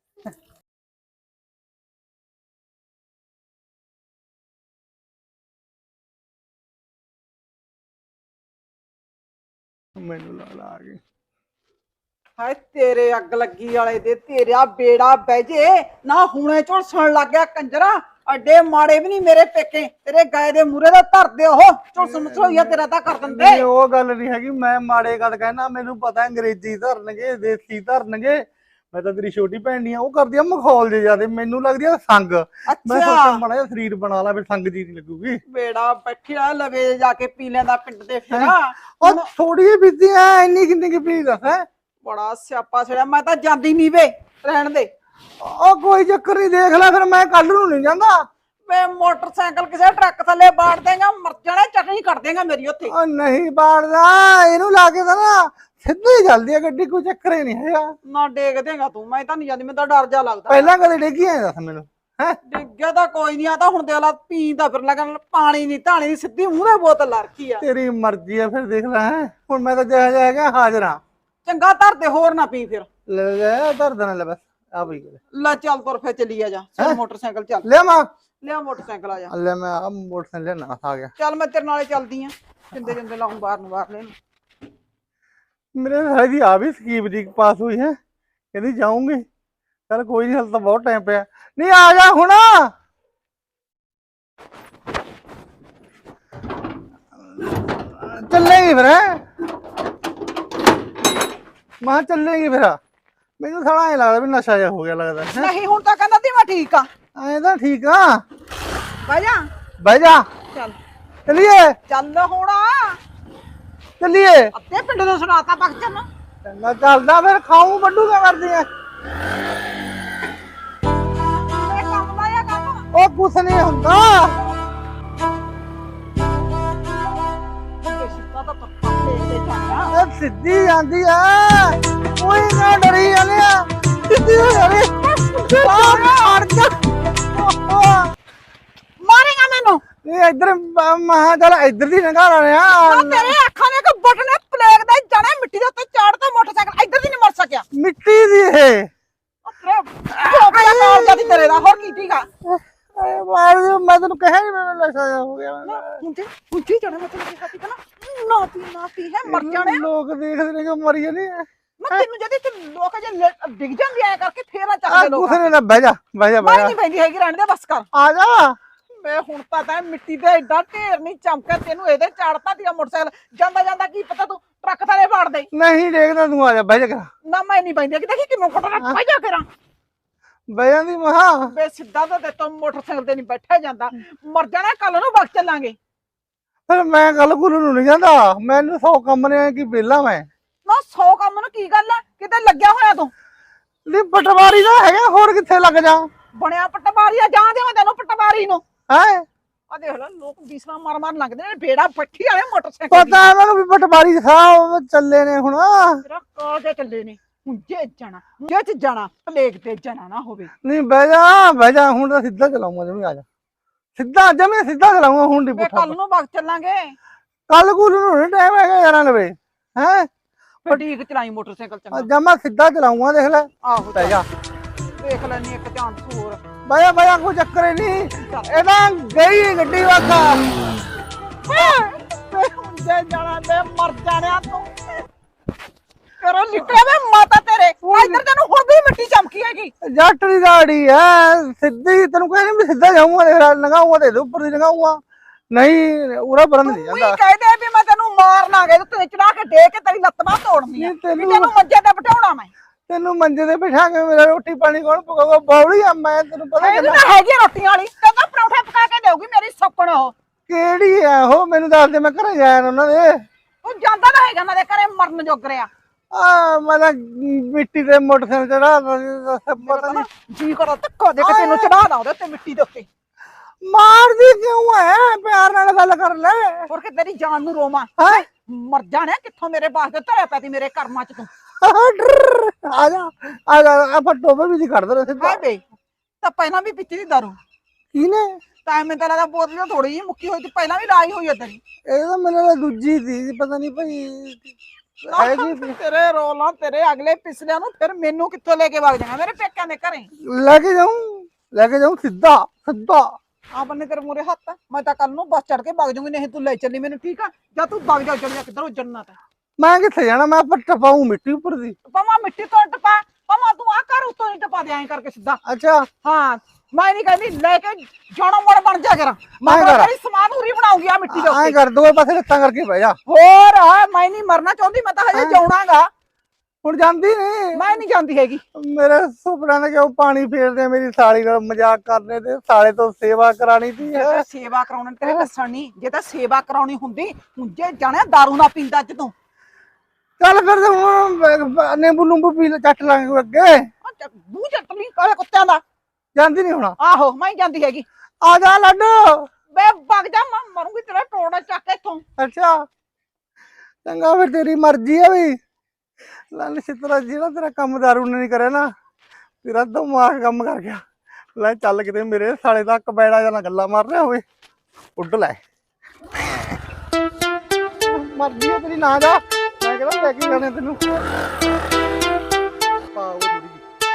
ਮੈਨੂੰ ਲਾ ਲਾ ਆ ਗਈ। ਹਾਏ ਤੇਰੇ ਅੱਗ ਲੱਗੀ ਵਾਲੇ ਦੇ, ਤੇਰਾ ਬੇੜਾ ਬਹਿ ਜੇ ਨਾ, ਹੁਣੇ ਝੁਲਸਣ ਲੱਗ ਗਿਆ ਕੰਜਰਾ। ਅੱਡੇ ਮਾੜੇ ਵੀ ਨਹੀਂ ਮੇਰੇ ਪੇਕੇ, ਤੇਰੇ ਗਾਏ ਦੇ ਮੂਰੇ ਦਾ ਧਰਦੇ ਉਹ ਝੁਲਸਣ ਮਸੋਈਆ ਤੇਰਾ ਤਾਂ ਕਰ ਦਿੰਦੇ। ਨਹੀਂ ਉਹ ਗੱਲ ਨਹੀਂ ਹੈਗੀ, ਮੈਂ ਮਾੜੇ ਗੱਲ ਕਹਿਣਾ, ਮੈਨੂੰ ਪਤਾ ਅੰਗਰੇਜ਼ੀ ਧਰਨਗੇ, ਦੇਸੀ ਧਰਨਗੇ। ਮੈਂ ਤਾਂ ਤੇਰੀ ਛੋਟੀ ਭੈਣ ਨਹੀਂ ਆ, ਉਹ ਕਰਦੀ ਆ ਮਖੌਲ ਜੇ ਜਿਆਦੇ, ਮੈਨੂੰ ਲੱਗਦੀ ਆ ਸੰਗ। ਮੈਂ ਸੋਚਿਆ ਮਾੜਾ ਜਿਹਾ ਸਰੀਰ ਬਣਾ ਲਾ, ਫਿਰ ਸੰਗ ਜੀ ਨਹੀਂ ਲੱਗੂਗੀ। ਬੇੜਾ ਬੈਠਿਆ ਲਵੇ ਜਾ ਕੇ ਪੀ ਲੈਂਦਾ ਪਿੰਡ ਦੇ ਫਿਰ। ਉਹ ਥੋੜੀ ਜਿਹੀ ਪੀਤੀ ਐ, ਇੰਨੀ ਕਿੰਨੀ ਕਿ ਪੀ ਦੱਸ। ਹੈ ਬੜਾ ਸਿਆਪਾ ਛੜਿਆ, ਮੈਂ ਤਾਂ ਜਾਂਦੀ ਨਹੀਂ ਵੇ, ਰਹਿਣ ਦੇ। ਉਹ ਕੋਈ ਚੱਕਰ ਨਹੀਂ, ਦੇਖ ਲੈ ਫਿਰ, ਮੈਂ ਕੱਲ ਨੂੰ ਨਹੀਂ ਜਾਂਦਾ। ਵੇ ਮੋਟਰਸਾਈਕਲ ਕਿਸੇ ਟਰੱਕ ਥੱਲੇ ਬਾੜ ਦੇਗਾ, ਮਰ ਜਾਣਾ, ਚਟਨੀ ਕੱਢ ਦੇਗਾ ਮੇਰੀ ਉੱਥੇ। ਉਹ ਨਹੀਂ ਬਾੜਦਾ, ਇਹਨੂੰ ਲਾ ਕੇ ਤਾਂ ਨਾ ਸਿੱਧੀ ਚੱਲਦੀ ਆ ਗੱਡੀ, ਕੋਈ ਚੱਕਰ ਹੀ ਨਹੀਂ ਹੈਗਾ। ਨਾ ਡੇਗ ਦੇਗਾ ਤੂੰ, ਮੈਂ ਤਾਂ ਨਹੀਂ ਜਾਂਦੀ, ਮੈਨੂੰ ਤਾਂ ਡਰ ਜਾ ਲੱਗਦਾ। ਪਹਿਲਾਂ ਕਦੇ ਡੇਗੀ ਐ ਦੱਸ ਮੈਨੂੰ? ਹੈ ਡਿੱਗਿਆ ਤਾਂ ਕੋਈ ਨਹੀਂ, ਆ ਤਾਂ ਹੁਣ ਦੇਖ ਲਾ ਪੀਂਦਾ ਫਿਰ ਲੱਗਣ, ਪਾਣੀ ਨਹੀਂ ਧਾਣੀ ਨੀ, ਸਿੱਧੀ ਮੂੰਹ ਦੇ ਬੋਤਲ ਲਾ ਰੱਖੀ ਆ। ਤੇਰੀ ਮਰਜ਼ੀ ਆ, ਫਿਰ ਦੇਖ ਲੈ। ਹੈ ਹੁਣ ਮੈਂ ਤਾਂ ਜਿਹਾ ਜਿਹਾ ਹੈਗਾ ਹਾਜ਼ਰ ਹਾਂ। ਚੰਗਾ ਧਰ ਦੇ, ਹੋਰ ਨਾ ਪੀ ਫਿਰ। ਲੈ ਲੈ ਧਰ ਦੇਣਾ, ਲੈ ਬਸ ਆ ਪਈ ਲੈ ਚੱਲ ਤੁਰ ਫੇ ਚੱਲੀ ਆ, ਜਾ ਚੱਲ ਮੋਟਰਸਾਈਕਲ ਚੱਲ ਲੈ ਮਾਂ, ਲਿਆ ਮੋਟਰਸਾਈਕਲ ਆ ਜਾ। ਲੈ ਮੈਂ ਆ ਮੋਟਰਸਾਈਕਲ ਲੈਣਾ ਆ ਗਿਆ। ਚੱਲ ਮੈਂ ਤੇਰੇ ਨਾਲੇ ਚੱਲਦੀ ਆ, ਜਿੰਦੇ ਜਿੰਦੇ ਲਾਉਂ ਬਾਹਰ ਨੂੰ ਬਾਹਰ ਲੈਣ। ਮੇਰੇ ਸਾਲੇ ਦੀ ਆ ਵੀ ਸਕੀਮ ਜੀ ਪਾਸ ਹੋਈ ਹੈ, ਕਹਿੰਦੀ ਜਾਊਂਗੀ। ਚੱਲ ਕੋਈ ਨਹੀਂ, ਹਾਲੇ ਤਾਂ ਬਹੁਤ ਟਾਈਮ ਪਿਆ। ਨਹੀਂ ਆ ਜਾ ਹੁਣ। ਚੱਲੇਗੀ ਫਿਰ ਹੈਂ? ਮੈਂ ਕਿਹਾ ਚੱਲੇਗੀ ਫਿਰ ਮੈਨੂੰ ਸਾਲਾ ਐ ਲੱਗਦਾ ਵੀ ਨਸ਼ਾ ਜਿਹਾ ਹੋ ਗਿਆ ਲੱਗਦਾ ਹੈਂ? ਨਹੀਂ ਹੁਣ ਤਾਂ ਕਹਿੰਦਾ ਸੀ ਮੈਂ ਠੀਕ ਆ। ਐਂ ਤਾਂ ਠੀਕ ਆ ਬਹਿ ਜਾ ਬਹਿ ਜਾ ਚੱਲ ਚੱਲੀਏ ਚੱਲ ਹੁਣ ਚੱਲੀਏ ਅੱਧੇ ਪਿੰਡ ਨੂੰ ਸੁਣਾਤਾ ਬਖਚਨ ਚੰਗਾ ਚੱਲਦਾ ਫਿਰ ਖਾਊਂ ਵੱਡੂ ਕਿਆ ਕਰਦੀ ਐ ਇਹ ਕੰਮ ਦਾ ਜਾਂ ਕੰਮ ਉਹ ਕੁਛ ਨਹੀਂ ਹੁੰਦਾ ਇਹ ਸਿੱਧਾ ਤਾਂ ਪੱਕਾ ਦੇਖਦੇ ਜਾਣਾ ਇਹ ਸਿੱਧੀ ਜਾਂਦੀ ਐ ਕੋਈ ਨਾ ਡਰੀ ਜਾਂਦੇ ਆ ਸਿੱਧੀ ਹੋ ਜਾਵੇ ਅੜ ਜਾ ਮਾਰੇਗਾ ਮੈਨੂੰ ਇਹ ਇੱਧਰ ਮਹਾ ਚੱਲ ਇੱਧਰ ਦੀ ਨਗਾ ਲਾਣੇ ਆ ਆ ਤੇਰੇ ਅੱਖਾਂ ਦੇ ਕੋ ਬਟਨੇ ਪਲੇਗ ਦੇ ਜਾਣੇ ਮਿੱਟੀ ਦੇ ਉੱਤੇ ਚਾੜਦਾ ਮੋਟਰਸਾਈਕਲ ਇੱਧਰ ਦੀ ਨਹੀਂ ਮਰ ਸਕਿਆ ਮਿੱਟੀ ਦੀ ਇਹ ਤੇਰੇ ਕੋਪਿਆ ਕਾਲ ਜਾਂਦੀ ਤੇਰੇ ਦਾ ਹੋਰ ਕੀ ਠੀਕਾ ਆਏ ਮਾਰ ਦਿਓ, ਮੈਂ ਤੈਨੂੰ ਕਹਿਆ ਨਹੀਂ ਮੈਨੂੰ ਨਸ਼ਾ ਜਿਹਾ ਹੋ ਗਿਆ ਹੁੰਦੀ ਹੁੰਦੀ ਜਾਣਾ ਮੈਂ ਤੈਨੂੰ ਕਿਹਾ ਸੀ ਨਾ ਨਾ ਪੀ ਨਾ ਪੀ ਹੈ ਮਰ ਜਾਣੇ ਲੋਕ ਦੇਖਦੇ ਨੇ ਕਿ ਮਰੀ ਜਾਂਦੀ ਐ ਮੈਂ ਤੈਨੂੰ ਜਦੀ ਤੇ ਲੋਕ ਜੇ ਲ- ਡਿੱਗ ਜਾਂਦੀ ਐ ਕਰਕੇ ਫੇਰ ਨਾ ਆ ਚੱਕਦੇ ਲੋਕ ਕੁਛ ਨਹੀਂ ਨਾ ਬਹਿ ਜਾ ਬਹਿ ਜਾ ਬਹਿ ਮੈਂ ਜਾ ਨਹੀਂ ਪੈਂਦੀ ਹੈਗੀ ਰਹਿਣ ਦੇ ਬਸ ਕਰ ਆ ਜਾ ਮੈਂ ਹੁਣ ਤਾਂ ਤਾਂ ਮਿੱਟੀ ਤੇ ਐਡਾ ਢੇਰ ਨਹੀਂ ਚਮਕਿਆ ਤੈਨੂੰ ਇਹਦੇ ਚਾੜਤਾ ਦੀਆ ਮੋਟਰਸਾਈਕਲ ਜਾਂਦਾ ਜਾਂਦਾ ਕੀ ਪਤਾ ਤੂੰ ਟਰੱਕ ਥਲੇ ਫਾੜ ਦੇ ਨਹੀਂ ਦੇਖਦਾ ਤੂੰ ਆ ਜਾ ਬਹਿ ਜਾ ਕਰ ਨਾ ਮੈਂ ਨਹੀਂ ਪੈਂਦੀ ਕਿ ਦੇਖੀ ਕਿਵੇਂ ਫਟਣਾ ਪੈ ਜਾ ਕਰਾਂ ਬਹਿ ਜਾਂਦੀ ਮਹਾ ਬੇ ਸਿੱਧਾ ਤਾਂ ਤੇ ਮੋਟਰਸਾਈਕਲ ਤੇ ਨਹੀਂ ਬੈਠਿਆ ਜਾਂਦਾ ਮਰ ਜਾਣਾ ਕੱਲ ਨੂੰ ਵਕਤ ਚੱਲਾਂਗੇ ਫਿਰ ਮੈਂ ਗੱਲ ਗੁਰੂ ਨੂੰ ਨਹੀਂ ਜਾਂਦਾ ਮੈਨੂੰ ਸੌ ਕੰਮ ਨੇ ਕੀ ਵਿਹਲਾ ਮੈਂ ਨਾ ਸੌ ਕੰਮ ਨੂੰ ਕੀ ਗੱਲ ਆ ਕਿਤੇ ਲੱਗਿਆ ਹੋਇਆ ਤੂੰ ਨਹੀਂ ਪਟਵਾਰੀ ਦਾ ਹੈਗਾ ਹੋਰ ਕਿੱਥੇ ਲੱਗ ਜਾ ਬਣਿਆ ਪਟਵਾਰੀ ਆ ਜਾਂ ਦੇ ਮੈਂ ਤੈਨੂੰ ਪਟਵਾਰੀ ਨੂੰ ਹੈ ਆ ਦੇਖ ਲੈ ਲੋਕ ਬੀਸਰਾ ਮਾਰ ਮਾਰ ਲੰਘਦੇ ਨੇ ਬੇੜਾ ਪੱਠੀ ਵਾਲੇ ਮੋਟਰਸਾਈਕਲ ਪਤਾ ਇਹਨਾਂ ਨੂੰ ਵੀ ਪਟਵਾਰੀ ਸਾਹਿਬ ਚੱਲੇ ਨੇ ਹੁਣ ਤੇਰਾ ਕਾਲ ਦੇ ਚੱਲੇ ਨੇ ਹੁੰਜੇ ਜਾਣਾ ਜੇ ਚ ਜਾਣਾ ਪਲੇਗ ਤੇ ਜਾਣਾ ਨਾ ਹੋਵੇ ਨਹੀਂ ਬਹਿ ਜਾ ਬਹਿ ਜਾ ਹੁਣ ਤਾਂ ਸਿੱਧਾ ਚਲਾਉਂਗਾ ਜਮੀ ਆ ਜਾ ਸਿੱਧਾ ਜਮੀ ਸਿੱਧਾ ਚਲਾਉਂਗਾ ਹੁਣ ਨਹੀਂ ਵੇ ਪੁੱਠਾ ਕੱਲ ਨੂੰ ਵਕਤ ਚੱਲਾਂਗੇ ਕੱਲ ਗੁਰੂ ਨੂੰ ਨਹੀਂ ਟਾਈਮ ਹੈਗਾ ਯਾਰਾਂ ਲਵੇ ਹੈ ਫੇ ਠੀਕ ਚਲਾਈ ਮੋਟਰਸਾਈਕਲ ਚੰਗਾ ਜਮਾ ਸਿੱਧਾ ਚਲਾਉਂਗਾ ਦੇਖ ਲੈ ਆਹੋ ਬਹਿ ਜਾ ਦੇਖ ਲੈਣੀ ਇੱਕ ਚਾਂਸ ਹੋਰ ਬਹਿ ਜਾ ਬਹਿ ਜਾ ਕੋਈ ਚੱਕਰ ਹੀ ਨਹੀਂ ਇਹ ਤਾਂ ਗਈ ਗੱਡੀ ਵਾਗਾ ਵੇ ਹੁੰਜੇ ਜਾਣਾ ਤੇ ਮਰ ਜਾਣਿਆ ਤੂੰ ਕਰੋ ਨਿਕਲਿਆ ਵੇ ਮਾਤਾ ਤੇਰੇ ਇੱਧਰ ਤੈਨੂੰ ਹੁਣ ਵੀ ਮਿੱਟੀ ਚਮਕੀ ਹੈਗੀ ਜੱਟ ਦੀ ਗਾੜੀ ਐ ਸਿੱਧੀ ਤੈਨੂੰ ਕਹਿੰਦੇ ਵੀ ਸਿੱਧਾ ਜਾਊਂਗਾ ਦੇਖ ਲੈ ਲੰਘਾਊਂਗਾ ਤੇ ਇਹਦੇ ਉੱਪਰ ਦੀ ਲੰਘਾਊਂਗਾ ਨਹੀਂ ਉਰਾ ਬਰਨ ਨਹੀਂ ਤੂੰ ਹੀ ਜਾਂਦਾ ਕਹਦੇ ਵੀ ਮੈਂ ਤੈਨੂੰ ਮਾਰਨਾਗੇ ਤੇ ਚੜਾ ਕੇ ਦੇ ਕੇ ਤੇਰੀ ਲੱਤ ਬਾਹ ਤੋੜਨੀ ਆ ਨਹੀਂ, ਵੀ ਤੈਨੂੰ- ਤੈਨੂੰ ਮੰਜੇ ਤੇ ਬਿਠਾਉਣਾ ਮੈਂ ਤੈਨੂੰ ਮੰਜੇ ਤੇ ਬਿਠਾ ਕੇ ਮੇਰਾ ਰੋਟੀ ਪਾਣੀ ਕੌਣ ਪਕਾਊਗਾ ਬੌੜੀ ਆ ਮੈਂ ਤੈਨੂੰ ਪਤਾ ਇਹ ਕਿੰਨਾ ਤਾਂ ਹੈਗੀ ਆ ਰੋਟੀਆਂ ਵਾਲੀ ਕਹਿੰਦਾ ਪਰੌਂਠੇ ਪਕਾ ਕੇ ਦੇਊਗੀ ਮੇਰੀ ਸੌਕਣ ਉਹ ਕਿਹੜੀ ਐ ਉਹ ਮੈਨੂੰ ਦੱਸ ਦੇ ਮੈਂ ਘਰੇ ਜਾਇਆ ਉਹਨਾਂ ਦੇ ਉਹ ਜਾਂਦਾ ਤਾਂ ਹੈਗਾ ਉਹਨਾਂ ਦੇ ਘਰੇ ਮਰਨ ਜੋਗ ਰਿਆ ਆ ਮੈਂ ਤਾਂ ਮਿੱਟੀ ਤੇ ਮੋਟਰਸਾਈਕਲ ਚੜਾ ਪਤਾ ਨਹੀਂ ਜੀ ਕਰੋ ਧੱਕਾ ਦੇ ਕੇ ਤੈਨੂੰ ਚੜਾ ਦਾਂ ਉਹਦੇ ਉੱਤੇ ਮਿੱਟੀ ਦੇ ਉੱਤੇ ਮਾਰਦੀ ਕਿਉਂ ਐ ਪਿਆਰ ਨਾਲ ਗੱਲ ਕਰ ਲੈ ਹੋਰ ਕਿ ਤੇਰੀ ਜਾਨ ਨੂੰ ਰੋਵਾਂ ਹੈ ਮਰ ਜਾਣਿਆ ਕਿੱਥੋਂ ਮੇਰੇ ਬਾਸ ਦੇ ਧਰਿਆ ਪੈਦੀ ਮੇਰੇ ਕਰਮਾਂ ਚ ਤੂੰ ਆ ਜਾ ਆ ਜਾ ਆਪਾਂ ਟੋਬੇ ਵੀ ਨਹੀਂ ਕੱਢਦੇ ਰਹੇ ਸਿੱਧਾ ਹਾਏ ਬੇ ਤਾਂ ਪਹਿਲਾਂ ਵੀ ਪੀਤੀ ਦੀ ਦਾਰੂ ਕਿਨੇ ਤਾਂ ਮੈਂ ਤਾਂ ਲੱਗਦਾ ਬੋਤਲ ਥੋੜੀ ਜਿਹੀ ਮੁੱਕੀ ਹੋਈ ਤੇ ਪਹਿਲਾਂ ਵੀ ਲਾਈ ਹੋਈ ਏਦਾਂ ਦੀ ਇਹ ਤਾਂ ਮੈਨੂੰ ਲੱਗਦਾ ਦੂਜੀ ਸੀ ਪਤਾ ਨਹੀਂ ਭਾਈ ਹੈਗੀ ਸੀ। ਤੇਰੇ ਰੋਲਾਂ ਤੇਰੇ ਅਗਲੇ ਪਿਛਲਿਆਂ ਨੂੰ ਫਿਰ ਮੈਨੂੰ ਕਿੱਥੋਂ ਲੈ ਕੇ ਵਗ ਜਾਣਾ ਮੇਰੇ ਪੇਕਿਆਂ ਦੇ ਘਰੇ ਲੈ ਕੇ ਜਾਊਂ ਲੈ ਕੇ ਜਾਊਂ ਸਿੱਧਾ ਸਿੱਧਾ ਆ ਬੰਨੇ ਤੇਰੇ ਮੂਰੇ ਹੱਥ ਆ। ਮੈਂ ਤਾਂ ਕੱਲ ਨੂੰ ਬੱਸ ਚੜ ਕੇ ਵਗ ਜਾਊਂਗੀ ਨਹੀਂ ਤੂੰ ਲੈ ਚੱਲੀ ਮੈਨੂੰ ਠੀਕ ਆ ਜਾਂ ਤੂੰ ਵਗ ਜਾ ਚੱਲ ਜਾ ਕਿੱਧਰ ਜੰਨਤ ਹੈ ਮੈਂ ਕਿੱਥੇ ਜਾਣਾ ਮੈਂ ਪਰ ਟਪਾਊਂ ਮਿੱਟੀ ਉੱਪਰ ਦੀ ਪਮਾ ਮਿੱਟੀ ਤੋਂ ਟਪਾ ਪਮਾ ਤੂੰ ਆ ਕਰ ਉੱਤੋਂ ਨਹੀਂ ਟਪਾ ਦੇ ਐਂ ਕਰਕੇ ਸਿੱਧਾ ਅੱਛਾ ਹਾਂ ਮੈਂ ਨਹੀਂ ਕਹਿੰਦੀ ਲੈ ਕੇ ਜਾਣਾ ਮੋੜ ਬਣ ਜਾ ਕਰ ਮੈਂ ਐਂ ਕਰ। ਤੇਰੀ ਸਮਾਨ ਉਰੀ ਬਣਾਉਂਗੀ ਆ ਮਿੱਟੀ ਦੇ ਐਂ ਉੱਤੇ ਕਰ ਦੋਵੇਂ ਪਾਸੇ ਲੱਤਾਂ ਕਰਕੇ ਬਹਿ ਜਾ ਹੋਰ ਆ, ਮੈਂ ਨਹੀਂ ਮਰਨਾ ਚਾਹੁੰਦੀ ਮੈਂ ਤਾਂ ਹਜੇ ਹੈਂ? ਜਾਉਣਾਗਾ ਹੁਣ ਜਾਂਦੀ ਨਹੀਂ ਮੈਂ ਨਹੀਂ ਜਾਂਦੀ ਹੈਗੀ ਮੇਰੇ ਸੁਪਨਾ ਨੇ ਕਿਉਂ ਪਾਣੀ ਫੇਰਦੇ ਮੇਰੀ ਸਾਲੀ ਨਾਲ ਮਜ਼ਾਕ ਕਰਨੇ ਤੇ ਸਾਲੇ ਤੋਂ ਸੇਵਾ ਕਰਾਣੀ ਸੀ ਜੇ ਤਾਂ ਸੇਵਾ ਕਰਾਉਣ ਤੇਰੇ ਦੱਸਣ ਨਹੀਂ ਜੇ ਤਾਂ ਸੇਵਾ ਕਰਾਉਣੀ ਹੁੰਦੀ ਹੁੰਜੇ ਜਾਣਿਆ ਦਾਰੂ ਨਾ ਪੀਂਦਾ ਅੱਜ ਤੂੰ ਚੱਲ ਫਿਰ ਤੇ ਹੁਣ ਨਿੰਬੂ ਨੂੰਬੂ ਪੀ ਲੈ ਚੱਟ ਲਾਂਗੇ ਅੱਗੇ ਆ ਚੱਕ- ਮੂੰਹ ਚੱਟ ਲਈ ਕਾਲੇ ਕੁੱਤਿਆਂ ਦਾ ਜਾਂਦੀ ਨਹੀਂ ਹੁਣ ਆਹੋ ਮੈਂ ਹੀ ਜਾਂਦੀ ਹੈਗੀ ਆ ਜਾ ਲੱਡੂ ਬੇ ਵਗ ਜਾ ਮੈਂ ਮਰੂੰਗੀ ਤੇਰਾ ਟੋੜਾ ਚੱਕ ਇੱਥੋਂ ਅੱਛਾ ਚੰਗਾ ਫਿਰ ਤੇਰੀ ਮਰਜ਼ੀ ਆ ਵੀ ਲਾਲ ਸਿੱਤਰਾ ਜਿਹੜਾ ਤੇਰਾ ਕੰਮ ਦਾਰੂ ਨੇ ਨਹੀਂ ਕਰਿਆ ਨਾ ਤੇਰਾ ਦਿਮਾਗ ਕੰਮ ਕਰ ਗਿਆ ਲੈ ਚੱਲ ਕਿਤੇ ਮੇਰੇ ਸਾਲੇ ਦਾ ਕਬੈੜਾ ਜਾਂ ਗੱਲਾਂ ਮਾਰ ਰਿਹਾ ਹੋਵੇ ਉੱਡ ਲੈ ਮਰਜ਼ੀ ਆ ਤੇਰੀ ਨਾ ਜਾ ਮੈਂ ਕਹਿੰਦਾ ਲੈ ਕੇ ਜਾਣੇ ਤੈਨੂੰ ਪਾਓ ਥੋੜੀ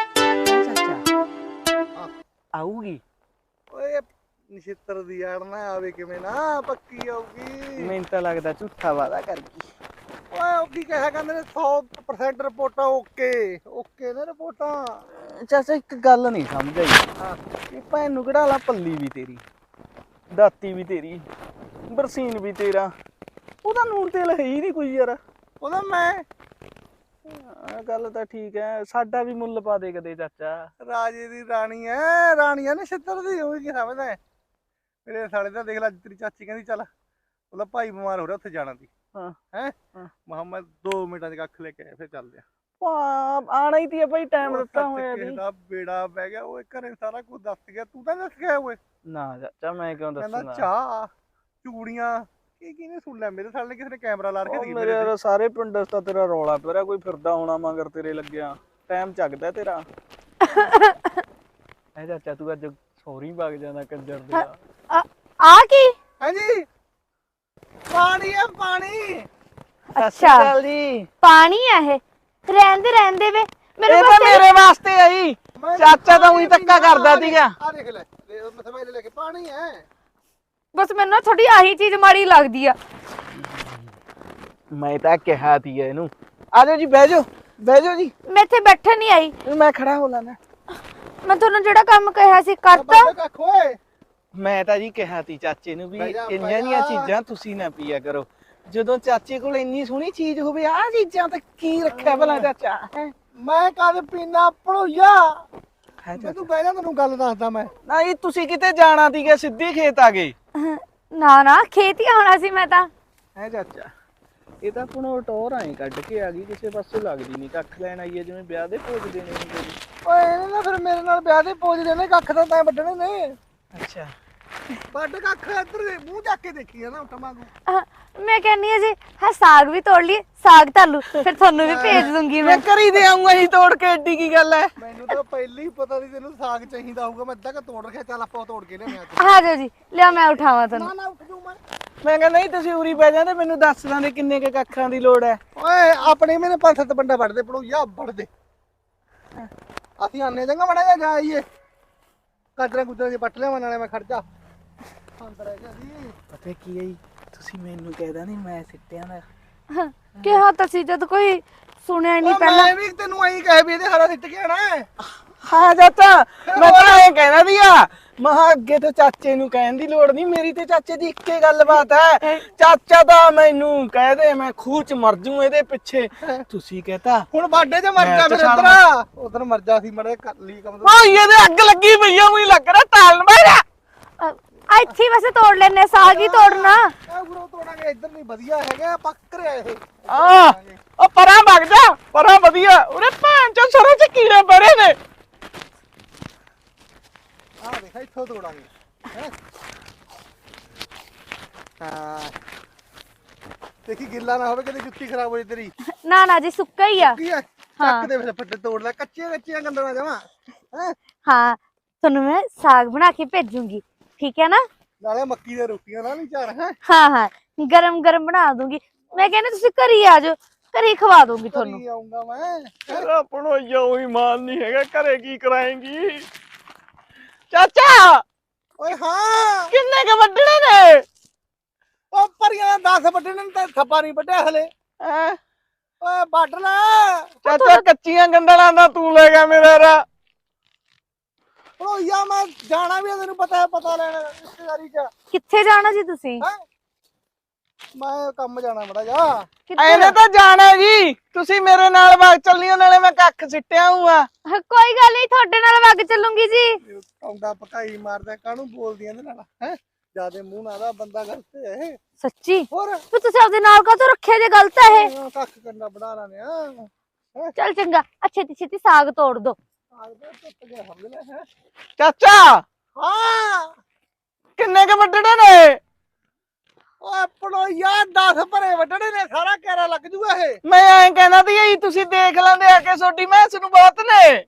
ਆਊਗੀ ਓਏ ਨਛਿੱਤਰ ਦੀ ਯਾਰ ਨਾ ਆਵੇ ਕਿਵੇਂ ਨਾ ਪੱਕੀ ਆਊਗੀ ਮੈਨੂੰ ਤਾਂ ਲੱਗਦਾ ਝੂਠਾ ਵਾਦਾ ਕਰ ਗਈ ਓਏ ਉਹ ਕੀ ਕਹਿਆ ਕਹਿੰਦੇ ਨੇ ਸੌ ਪਰਸੈਂਟ ਰਿਪੋਰਟਾਂ ਓਕੇ ਓਕੇ ਨੇ ਰਿਪੋਰਟਾਂ ਚਾਚਾ ਇੱਕ ਗੱਲ ਨਹੀਂ ਸਮਝ ਆਈ ਹਾਂ ਇਹ ਭੈਣ ਨੂੰ ਕਿਹੜਾ ਲਾ ਪੱਲੀ ਵੀ ਤੇਰੀ ਦਾਤੀ ਵੀ ਤੇਰੀ ਬਰਸੀਨ ਵੀ ਤੇਰਾ ਉਹਦਾ ਨੂਣ ਤੇਲ ਹੈ ਹੀ ਨਹੀਂ ਕੋਈ ਯਾਰ। ਉਹਦਾ ਮੈਂ ਹਾਂ, ਗੱਲ ਤਾਂ ਠੀਕ ਹੈ, ਸਾਡਾ ਵੀ ਮੁੱਲ ਪਾ ਦੇ ਕਦੇ ਚਾਚਾ। ਰਾਜੇ ਦੀ ਰਾਣੀ ਐ, ਰਾਣੀ ਐ ਨਛੱਤਰ ਦੀ, ਉਹ ਕੀ ਸਮਝਦਾ ਹੈ? ਮੇਰੇ ਸਾਲੇ ਦਾ ਦੇਖ ਲੈ, ਅੱਜ ਤੇਰੀ ਚਾਚੀ ਕਹਿੰਦੀ ਚੱਲ ਉਹਦਾ ਭਾਈ ਬਿਮਾਰ ਹੋ ਰਿਹਾ ਉੱਥੇ ਜਾਣਾ ਦੀ। ਹਾਂ ਹੈ ਹਾਂ। ਮੈਂ ਦੋ ਮਿੰਟਾਂ ਚ ਕੱਖ ਲੈ ਕੇ ਆਇਆ, ਫਿਰ ਚੱਲਦੇ ਆ। ਪਾ- ਆਣਾ ਹੀ ਤੀ ਭਾਈ, ਟਾਈਮ ਉਹ ਦਿੱਤਾ ਸੱਚ ਹੋਇਆ ਕਿਸੇ ਸੀ। ਦਾ ਬੇੜਾ ਬਹਿ ਗਿਆ, ਉਹ ਘਰੇ ਸਾਰਾ ਕੁਝ ਦੱਸ ਗਿਆ, ਤੂੰ ਤਾਂ ਦੱਸ ਗਿਆ ਓਏ। ਨਾ ਚਾਚਾ ਮੈਂ ਕਿਉਂ ਕਹਿੰਦਾ ਦੱਸੂਗਾ। ਚਾਹ ਚੂੜੀਆਂ ਕੀ ਕਿਹਨੇ ਸੁਣ ਲਿਆ? ਮੇਰੇ ਸਾਲੇ ਨੇ ਕਿਸੇ ਨੇ ਕੈਮਰਾ ਲਾ ਰੱਖਿਆ ਉਹ ਸੀ ਮੇਰੇ ਯਾਰ ਸਾਰੇ ਪਿੰਡ ਚ ਤਾਂ ਤੇਰਾ ਰੌਲਾ ਪਿਆ ਰਿਹਾ, ਕੋਈ ਫਿਰਦਾ ਹੋਣਾ ਮਗਰ ਤੇਰੇ ਲੱਗਿਆ, ਟਾਈਮ ਚੱਕਦਾ ਤੇਰਾ। ਐ ਚਾਚਾ ਤੂੰ ਅੱਜ ਸੌਰੀ ਵਗ ਜਾਣਾ ਕੰਜਰ ਦੇ। ਆ ਆ ਕੀ? ਹਾਂਜੀ ਪਾਣੀ ਆ ਪਾਣੀ। ਅੱਛਾ ਜੀ ਪਾਣੀ ਆ ਇਹ? ਰਹਿੰਦੇ ਰਹਿੰਦੇ ਵੇ ਮੇਰੇ ਇਹ ਤਾਂ ਵਾਸਤੇ ਮੇਰੇ ਵਾਸਤੇ ਆਈ। ਚਾਚਾ ਤਾਂ ਉਹੀ ਧੱਕਾ ਕਰਦਾ ਸੀਗਾ। ਆ ਦੇਖ ਲੈ, ਮੈਂ ਲੈ ਕੇ ਪਾਣੀ ਹੈ। ਬਸ ਮੈਨੂੰ ਨਾ ਥੋੜੀ ਆਹੀ ਚੀਜ਼ ਮਾੜੀ ਲੱਗਦੀ ਆ। ਮੈਂ ਤਾਂ ਕਿਹਾ ਤੀ ਇਹਨੂੰ ਆ ਜਾਓ ਜੀ, ਬਹਿ ਜਾਓ ਬਹਿ ਜਾਓ ਜੀ। ਮੈਂ ਇੱਥੇ ਬੈਠਣ ਨਹੀਂ ਆਈ, ਮੈਂ ਖੜਾ ਹੋ ਲੈਣਾ। ਮੈਂ ਤੁਹਾਨੂੰ ਜਿਹੜਾ ਕੰਮ ਕਿਹਾ ਸੀ ਕਰਤਾ। ਕੱਖ ਓਏ ਮੈਂ ਤਾਂ ਜੀ ਕਿਹਾ ਤੀ ਚਾਚੇ ਨੂੰ ਵੀ ਬਹਿ ਜਾ, ਇੰਨੀਆਂ ਬਹਿ ਦੀਆਂ ਜਾ। ਚੀਜ਼ਾਂ ਤੁਸੀਂ ਨਾ ਪੀਆ ਕਰੋ। ਜਦੋਂ ਚਾਚੇ ਕੋਲ ਇੰਨੀ ਸੋਹਣੀ ਚੀਜ਼ ਹੋਵੇ, ਆਹ ਚੀਜ਼ਾਂ ਤਾਂ ਕੀ ਰੱਖਿਆ ਭਲਾ ਚਾਚਾ ਹੈ? ਮੈਂ ਕਦ ਪੀਣਾ ਪੜੋਇਆ। ਹੈ ਮੈਂ ਤੂੰ ਬਹਿ ਜਾ, ਤੈਨੂੰ ਗੱਲ ਦੱਸਦਾ ਮੈਂ। ਨਹੀਂ ਤੁਸੀਂ ਕਿਤੇ ਜਾਣਾ ਸੀਗਾ, ਸਿੱਧੀ ਖੇਤ ਆ ਗਏ। ਨਾ ਨਾ ਖੇਤ ਹੀ ਆਉਣਾ ਸੀ ਮੈਂ ਤਾਂ। ਹੈ ਚਾਚਾ ਇਹ ਤਾਂ ਆਪਣਾ ਟੋਰ ਆਏ ਕੱਢ ਕੇ ਆ ਗਈ, ਕਿਸੇ ਪਾਸੇ ਲੱਗਦੀ ਨਹੀਂ। ਕੱਖ ਲੈਣ ਆਈ ਹੈ ਜਿਵੇਂ ਵਿਆਹ ਦੇ ਭੋਜ ਦੇਣੇ ਹੁੰਦੇ ਨੇ। ਓਏ ਇਹਨੇ ਨਾ ਫਿਰ ਮੇਰੇ ਨਾਲ ਵਿਆਹ ਦੇ ਪੋਜ ਦੇਣੇ, ਕੱਖ ਤਾਂ ਤੈਂ ਵੱਢਣੇ ਨੇ। ਅੱਛਾ ਵੱਢ ਕੱਖ ਇੱਧਰ ਦੇ ਮੂੰਹ ਚੱਕ ਕੇ ਦੇਖੀ ਆ ਨਾ ਉੱਟਾ ਵਾਂਗੂ। ਅਹ, ਮੈਂ ਕਹਿੰਨੀ ਆ ਜੀ ਹਾਂ ਸਾਗ ਵੀ ਤੋੜ ਲਈ, ਸਾਗ ਧਾਲੂ ਫਿਰ ਤੁਹਾਨੂੰ ਵੀ ਭੇਜ ਦੂੰਗੀ ਮੈਂ। ਮੈਂ ਕਰੀ ਦੇ ਆਉਂਗਾ ਜੀ ਤੋੜ ਕੇ, ਏਡੀ ਕੀ ਗੱਲ ਹੈ? ਮੈਨੂੰ ਤਾਂ ਪਹਿਲਾਂ ਹੀ ਪਤਾ ਸੀ ਤੈਨੂੰ ਸਾਗ ਚਾਹੀਦਾ ਹੋਊਗਾ, ਮੈਂ ਅੱਧਾ ਕ ਤੋੜ ਰੱਖਿਆ। ਚੱਲ ਆਪਾਂ ਤੋੜ ਕੇ ਲਿਆਵਾਂ ਅੱਜ। ਆ ਜਾਓ ਜੀ, ਲਿਆ ਮੈਂ ਉਠਾਵਾਂ ਤੁਹਾਨੂੰ। ਨਾ ਉੱਠ ਜੂ ਮੈਂ। ਮੈਂ ਕਹਿੰਦਾ ਨਹੀਂ ਤੁਸੀਂ ਉਰੀ ਬਹਿ ਜਾਂਦੇ, ਮੈਨੂੰ ਦੱਸ ਦਾਂਦੇ ਕਿੰਨੇ ਕੇ ਕੱਖਾਂ ਦੀ ਲੋੜ ਹੈ। ਓਏ ਆਪਣੇ ਮੇਰੇ ਪੰਜ ਸੱਤ ਬੰਦਾ ਵੱਢਦੇ ਪੜੋਇਆ, ਵੱਢਦੇ। ਅਸੀਂ ਆਨੇ ਚੰਗਾ ਮੜਾ ਜਾ ਜਾਈਏ, ਕਾਜਰਾ ਗੁਜਰਾ ਜੇ ਪੱਟ ਲਿਆਵਾਂ, ਨਾਲੇ ਮੈਂ ਖੜ ਜਾ ਅੰਦਰ ਰਹਿ ਜਾ ਜੀ। ਪਤਾ ਕੀ ਹੈ ਜੀ, ਤੁਸੀਂ ਮੈਨੂੰ ਕਹਿਦਾ ਨਹੀਂ ਮੈਂ ਸਿੱਟਿਆਂ ਦਾ। ਕਿਹਾ ਤਾਂ ਸੀ ਜਦ ਕੋਈ ਸੁਣਿਆ ਹੀ ਨਹੀਂ ਓ ਪਹਿਲਾਂ। ਮੈਂ ਵੀ ਤੈਨੂੰ ਐਂ ਕਹੇ ਵੀ ਇਹਦੇ ਹਰਾ ਸਿੱਟ ਕੇ ਆਣਾ ਹੈ। ਹਾਂ ਚਾਚਾ ਮੈਂ ਤਾਂ ਇਹ ਕਹਿਣਾ ਦੀਆ, ਮਹਾ ਅੱਗੇ ਤੋਂ ਚਾਚੇ ਨੂੰ ਕਹਿਣ ਦੀ ਲੋੜ ਨਹੀਂ, ਮੇਰੀ ਤੇ ਚਾਚੇ ਦੀ ਇੱਕੇ ਗੱਲਬਾਤ ਹੈ। ਚਾਚਾ ਤਾਂ ਮੈਨੂੰ ਕਹਿ ਦੇ ਮੈਂ ਖੂਹ ਚ ਮਰ ਜੂ ਇਹਦੇ ਪਿੱਛੇ, ਤੁਸੀਂ ਕਹਤਾ ਹੁਣ ਬਾਡੇ 'ਚ ਮਰ ਮੈਂ ਜਾ ਤਾਂ ਫਿਰ ਛਾਲ ਇੱਧਰ। ਉਧਰ ਮਰ ਜਾ ਸੀ ਮੜੇ ਕਰ ਲਈ ਕੰਮ। ਓ ਇਹਦੇ ਅੱਗ ਲੱਗੀ ਪਈ ਆ, ਉਹੀ ਲੱਗ ਰਿਹਾ ਤਾਲਣ ਬੈਠਾ। ਅਹ, ਆ ਇੱਥੇ ਹੀ ਵੈਸੇ ਤੋੜ ਲੈਣੇ, ਸਾਗ ਹੀ ਤੋੜਨਾ। ਆ ਗੁਰੂ ਤੋੜਾਂਗੇ, ਇੱਧਰ ਨਹੀਂ ਵਧੀਆ ਹੈਗਾ, ਪੱਕ ਰਿਹਾ ਇਹ। ਆ ਉਹ ਪਰਾਂ ਵਗ ਜਾ, ਪਰਾਂ ਵਧੀਆ। ਉਹਨੇ ਭਾਂ ਚੋਂ ਸਰੋਂ ਚ ਕੀੜੇ ਬੜੇ ਨੇ। ਆ ਦੇਖ ਇੱਥੋਂ ਤੋੜਾਂਗੇ ਹੈਂ। ਹਾਂ ਦੇਖੀ ਗਿੱਲਾ ਨਾ ਹੋਵੇ, ਕਦੇ ਜੁੱਤੀ ਖਰਾਬ ਹੋ ਜੇ ਤੇਰੀ। ਨਾ ਨਾ ਜੀ ਸੁੱਕਾ ਹੀ ਆ। ਕੀ ਹੈ ਹਾਂ। ਚੱਕ ਦੇ ਫਿਰ ਫੱਟੇ ਤੋੜ ਲੈ, ਕੱਚੀਆਂ ਕੱਚੀਆਂ ਗੰਦਲਾਂ ਜਾਵਾਂ ਹੈ। ਹਾਂ ਤੁਹਾਨੂੰ ਮੈਂ ਸਾਗ ਬਣਾ ਕੇ ਭੇਜੂੰਗੀ, ਠੀਕ ਹੈ ਨਾ? ਨਾਲੇ ਮੱਕੀ ਦੀਆਂ ਰੋਟੀਆਂ ਨਾਲ ਨਹੀਂ ਚਾਰ ਹੈ। ਹਾਂ ਹਾਂ ਗਰਮ ਗਰਮ ਬਣਾ ਦੂੰਗੀ। ਮੈਂ ਕਹਿੰਦੀ ਤੁਸੀਂ ਘਰ ਹੀ ਆ ਜਾਓ, ਘਰ ਹੀ ਖਵਾ ਦੂੰਗੀ ਤੁਹਾਨੂੰ। ਘਰੀ ਆਉਂਗਾ ਮੈਂ। ਤੇਰਾ ਪੜੋਈਆ ਉਹੀ ਮਾਨ ਨਹੀਂ ਹੈਗਾ, ਘਰੇ ਕੀ ਕਰਾਏਂਗੀ? ਚਾਚਾ ਓਏ ਹਾਂ ਕਿੰਨੇ ਕ ਵੱਢਣੇ ਨੇ? ਉਹ ਪਰੀਆਂ ਦਸ ਵੱਢਣੇ ਨੇ ਤੇ ਥੱਪਾ ਨਹੀਂ ਵੱਢਿਆ ਹਲੇ। ਹੈਂ? ਓਏ ਵੱਢ ਲੈ। ਚਾਚਾ ਕੱਚੀਆਂ ਗੰਡਲਾਂ ਦਾ ਤੂੰ ਲੈ ਗਿਆ ਮੇਰਾ ਰਾ। ਓਇਆ ਮੈਂ ਜਾਣਾ ਵੀ ਆ, ਤੈਨੂੰ ਪਤਾ ਹੈ, ਪਤਾ ਲੈਣਾ ਰਿਸ਼ਤੇਦਾਰੀ ਚ। ਕਿੱਥੇ ਜਾਣਾ ਜੀ ਤੁਸੀਂ? ਹੈਂ? ਮੈਂ ਕੰਮ ਜਾਣਾ ਮੜਾ ਜਾ। ਕਿੱਥੇ ਐਨੇ ਤਾਂ ਜਾਣਾ ਜੀ, ਤੁਸੀਂ ਮੇਰੇ ਨਾਲ ਵਗ ਚੱਲਿਓ, ਨਾਲੇ ਮੈਂ ਕੱਖ ਸਿੱਟਿਆ ਹੂਆ। ਜਾਣਾ? ਕੋਈ ਗੱਲ ਨਹੀਂ, ਤੁਹਾਡੇ ਨਾਲ ਵਗ ਚੱਲੂੰਗੀ ਜੀ। ਕੌਂਡਾ ਪਕਾਈ ਮਾਰਦਾ, ਕਾਹਨੂੰ ਬੋਲਦੀਆਂ ਇਹਦੇ ਨਾਲ ਹੈ? ਜਿਆਦੇ ਮੂੰਹ ਨਾਲ ਦਾ ਬੰਦਾ ਗਲਤ ਹੈ ਇਹ। ਸੱਚੀ ਹੋਰ ਵੀ ਤੁਸੀਂ ਆਪਦੇ ਨਾਲ ਕਾਹਤੋਂ ਰੱਖਿਆ ਜੇ? ਗਲਤ ਹੈ ਇਹ। ਹਾਂ, ਕੱਖ ਕਰਨਾ ਬਣਾ ਲਾਨੇ ਆ। ਚੱਲ ਚੰਗਾ, ਆ ਛੇਤੀ ਛੇਤੀ ਸਾਗ ਤੋੜ ਦੋ। ਆਗਦਾ ਟੁੱਟ ਗਿਆ ਸਮਝ ਲੈ ਹੈ। ਚਾਚਾ ਹਾਂ ਕਿੰਨੇ ਕ ਵੱਢਣੇ ਨੇ? ਓਏ ਪੜੋਇਆ ਦਸ ਭਰੇ ਵੱਢਣੇ ਨੇ, ਸਾਰਾ ਕੈਰਾ ਲੱਗ ਜੂਗਾ ਇਹ। ਮੈਂ ਐਂ ਕਹਿੰਦਾ ਤੀ ਜੀ ਤੁਸੀਂ ਦੇਖ ਲੈਂਦੇ ਆ ਕੇ, ਛੋਟੀ ਮੈਂਸ ਨੂੰ ਬਹੁਤ ਨੇ।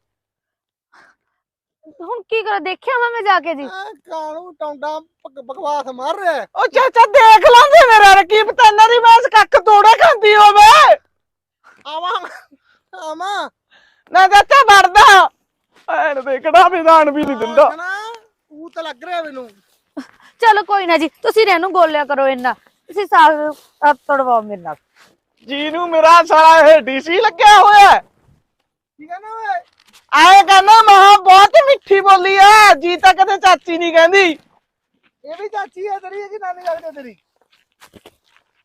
ਹੁਣ ਕੀ ਕਰਾਂ, ਦੇਖਿਆ ਵਾ ਮੈਂ ਜਾ ਕੇ ਜੀ। ਐ ਕਾਹਨੂੰ ਟੌਂਡਾ ਬਕ- ਬਕਵਾਸ ਮਾਰ ਰਿਹਾ ਹੈ। ਉਹ ਚਾਚਾ ਦੇਖ ਲੈਂਦੇ ਮੇਰਾ ਰਕੀਬ, ਤਾਂ ਇਹਨਾਂ ਦੀ ਮੈਂਸ ਕੱਖ ਤੋੜੇ ਖਾਂਦੀ ਹੋਵੇ। ਆਵਾਂ ਆਵਾਂ ਨਾ ਚਾਚਾ ਵੜਦਾ ਐਨ ਦੇਖੜਾ ਵਿਧਾਨ ਵੀ ਨਹੀਂ ਦਿੰਦਾ। ਉਹ ਤਾਂ ਲੱਗ ਰਿਹਾ ਮੈਨੂੰ। ਚਲੋ ਕੋਈ ਨਾ ਜੀ, ਤੁਸੀਂ ਇਹਨੂੰ ਗੋਲਿਆ ਕਰੋ ਇੰਨਾ, ਤੁਸੀਂ ਸਾਗ ਅਹ, ਤੋੜਵਾਓ ਮੇਰੇ ਨਾਲ। ਜੀ ਨੂੰ ਮੇਰਾ ਸਾਲਾ ਇਹ ਡੀਸੀ ਲੱਗਿਆ ਹੋਇਆ। ਕੀ ਕਹਿੰਦਾ ਓਏ? ਆਏ ਕਹਿੰਦਾ ਮਹਾ ਬਹੁਤ ਮਿੱਠੀ ਬੋਲੀ ਆ ਜੀ, ਤਾਂ ਕਦੇ ਚਾਚੀ ਨਹੀਂ ਕਹਿੰਦੀ। ਇਹ ਵੀ ਚਾਚੀ ਹੈ ਤੇਰੀ ਕਿ ਨਾਨੀ ਲੱਗਦੀ ਤੇਰੀ?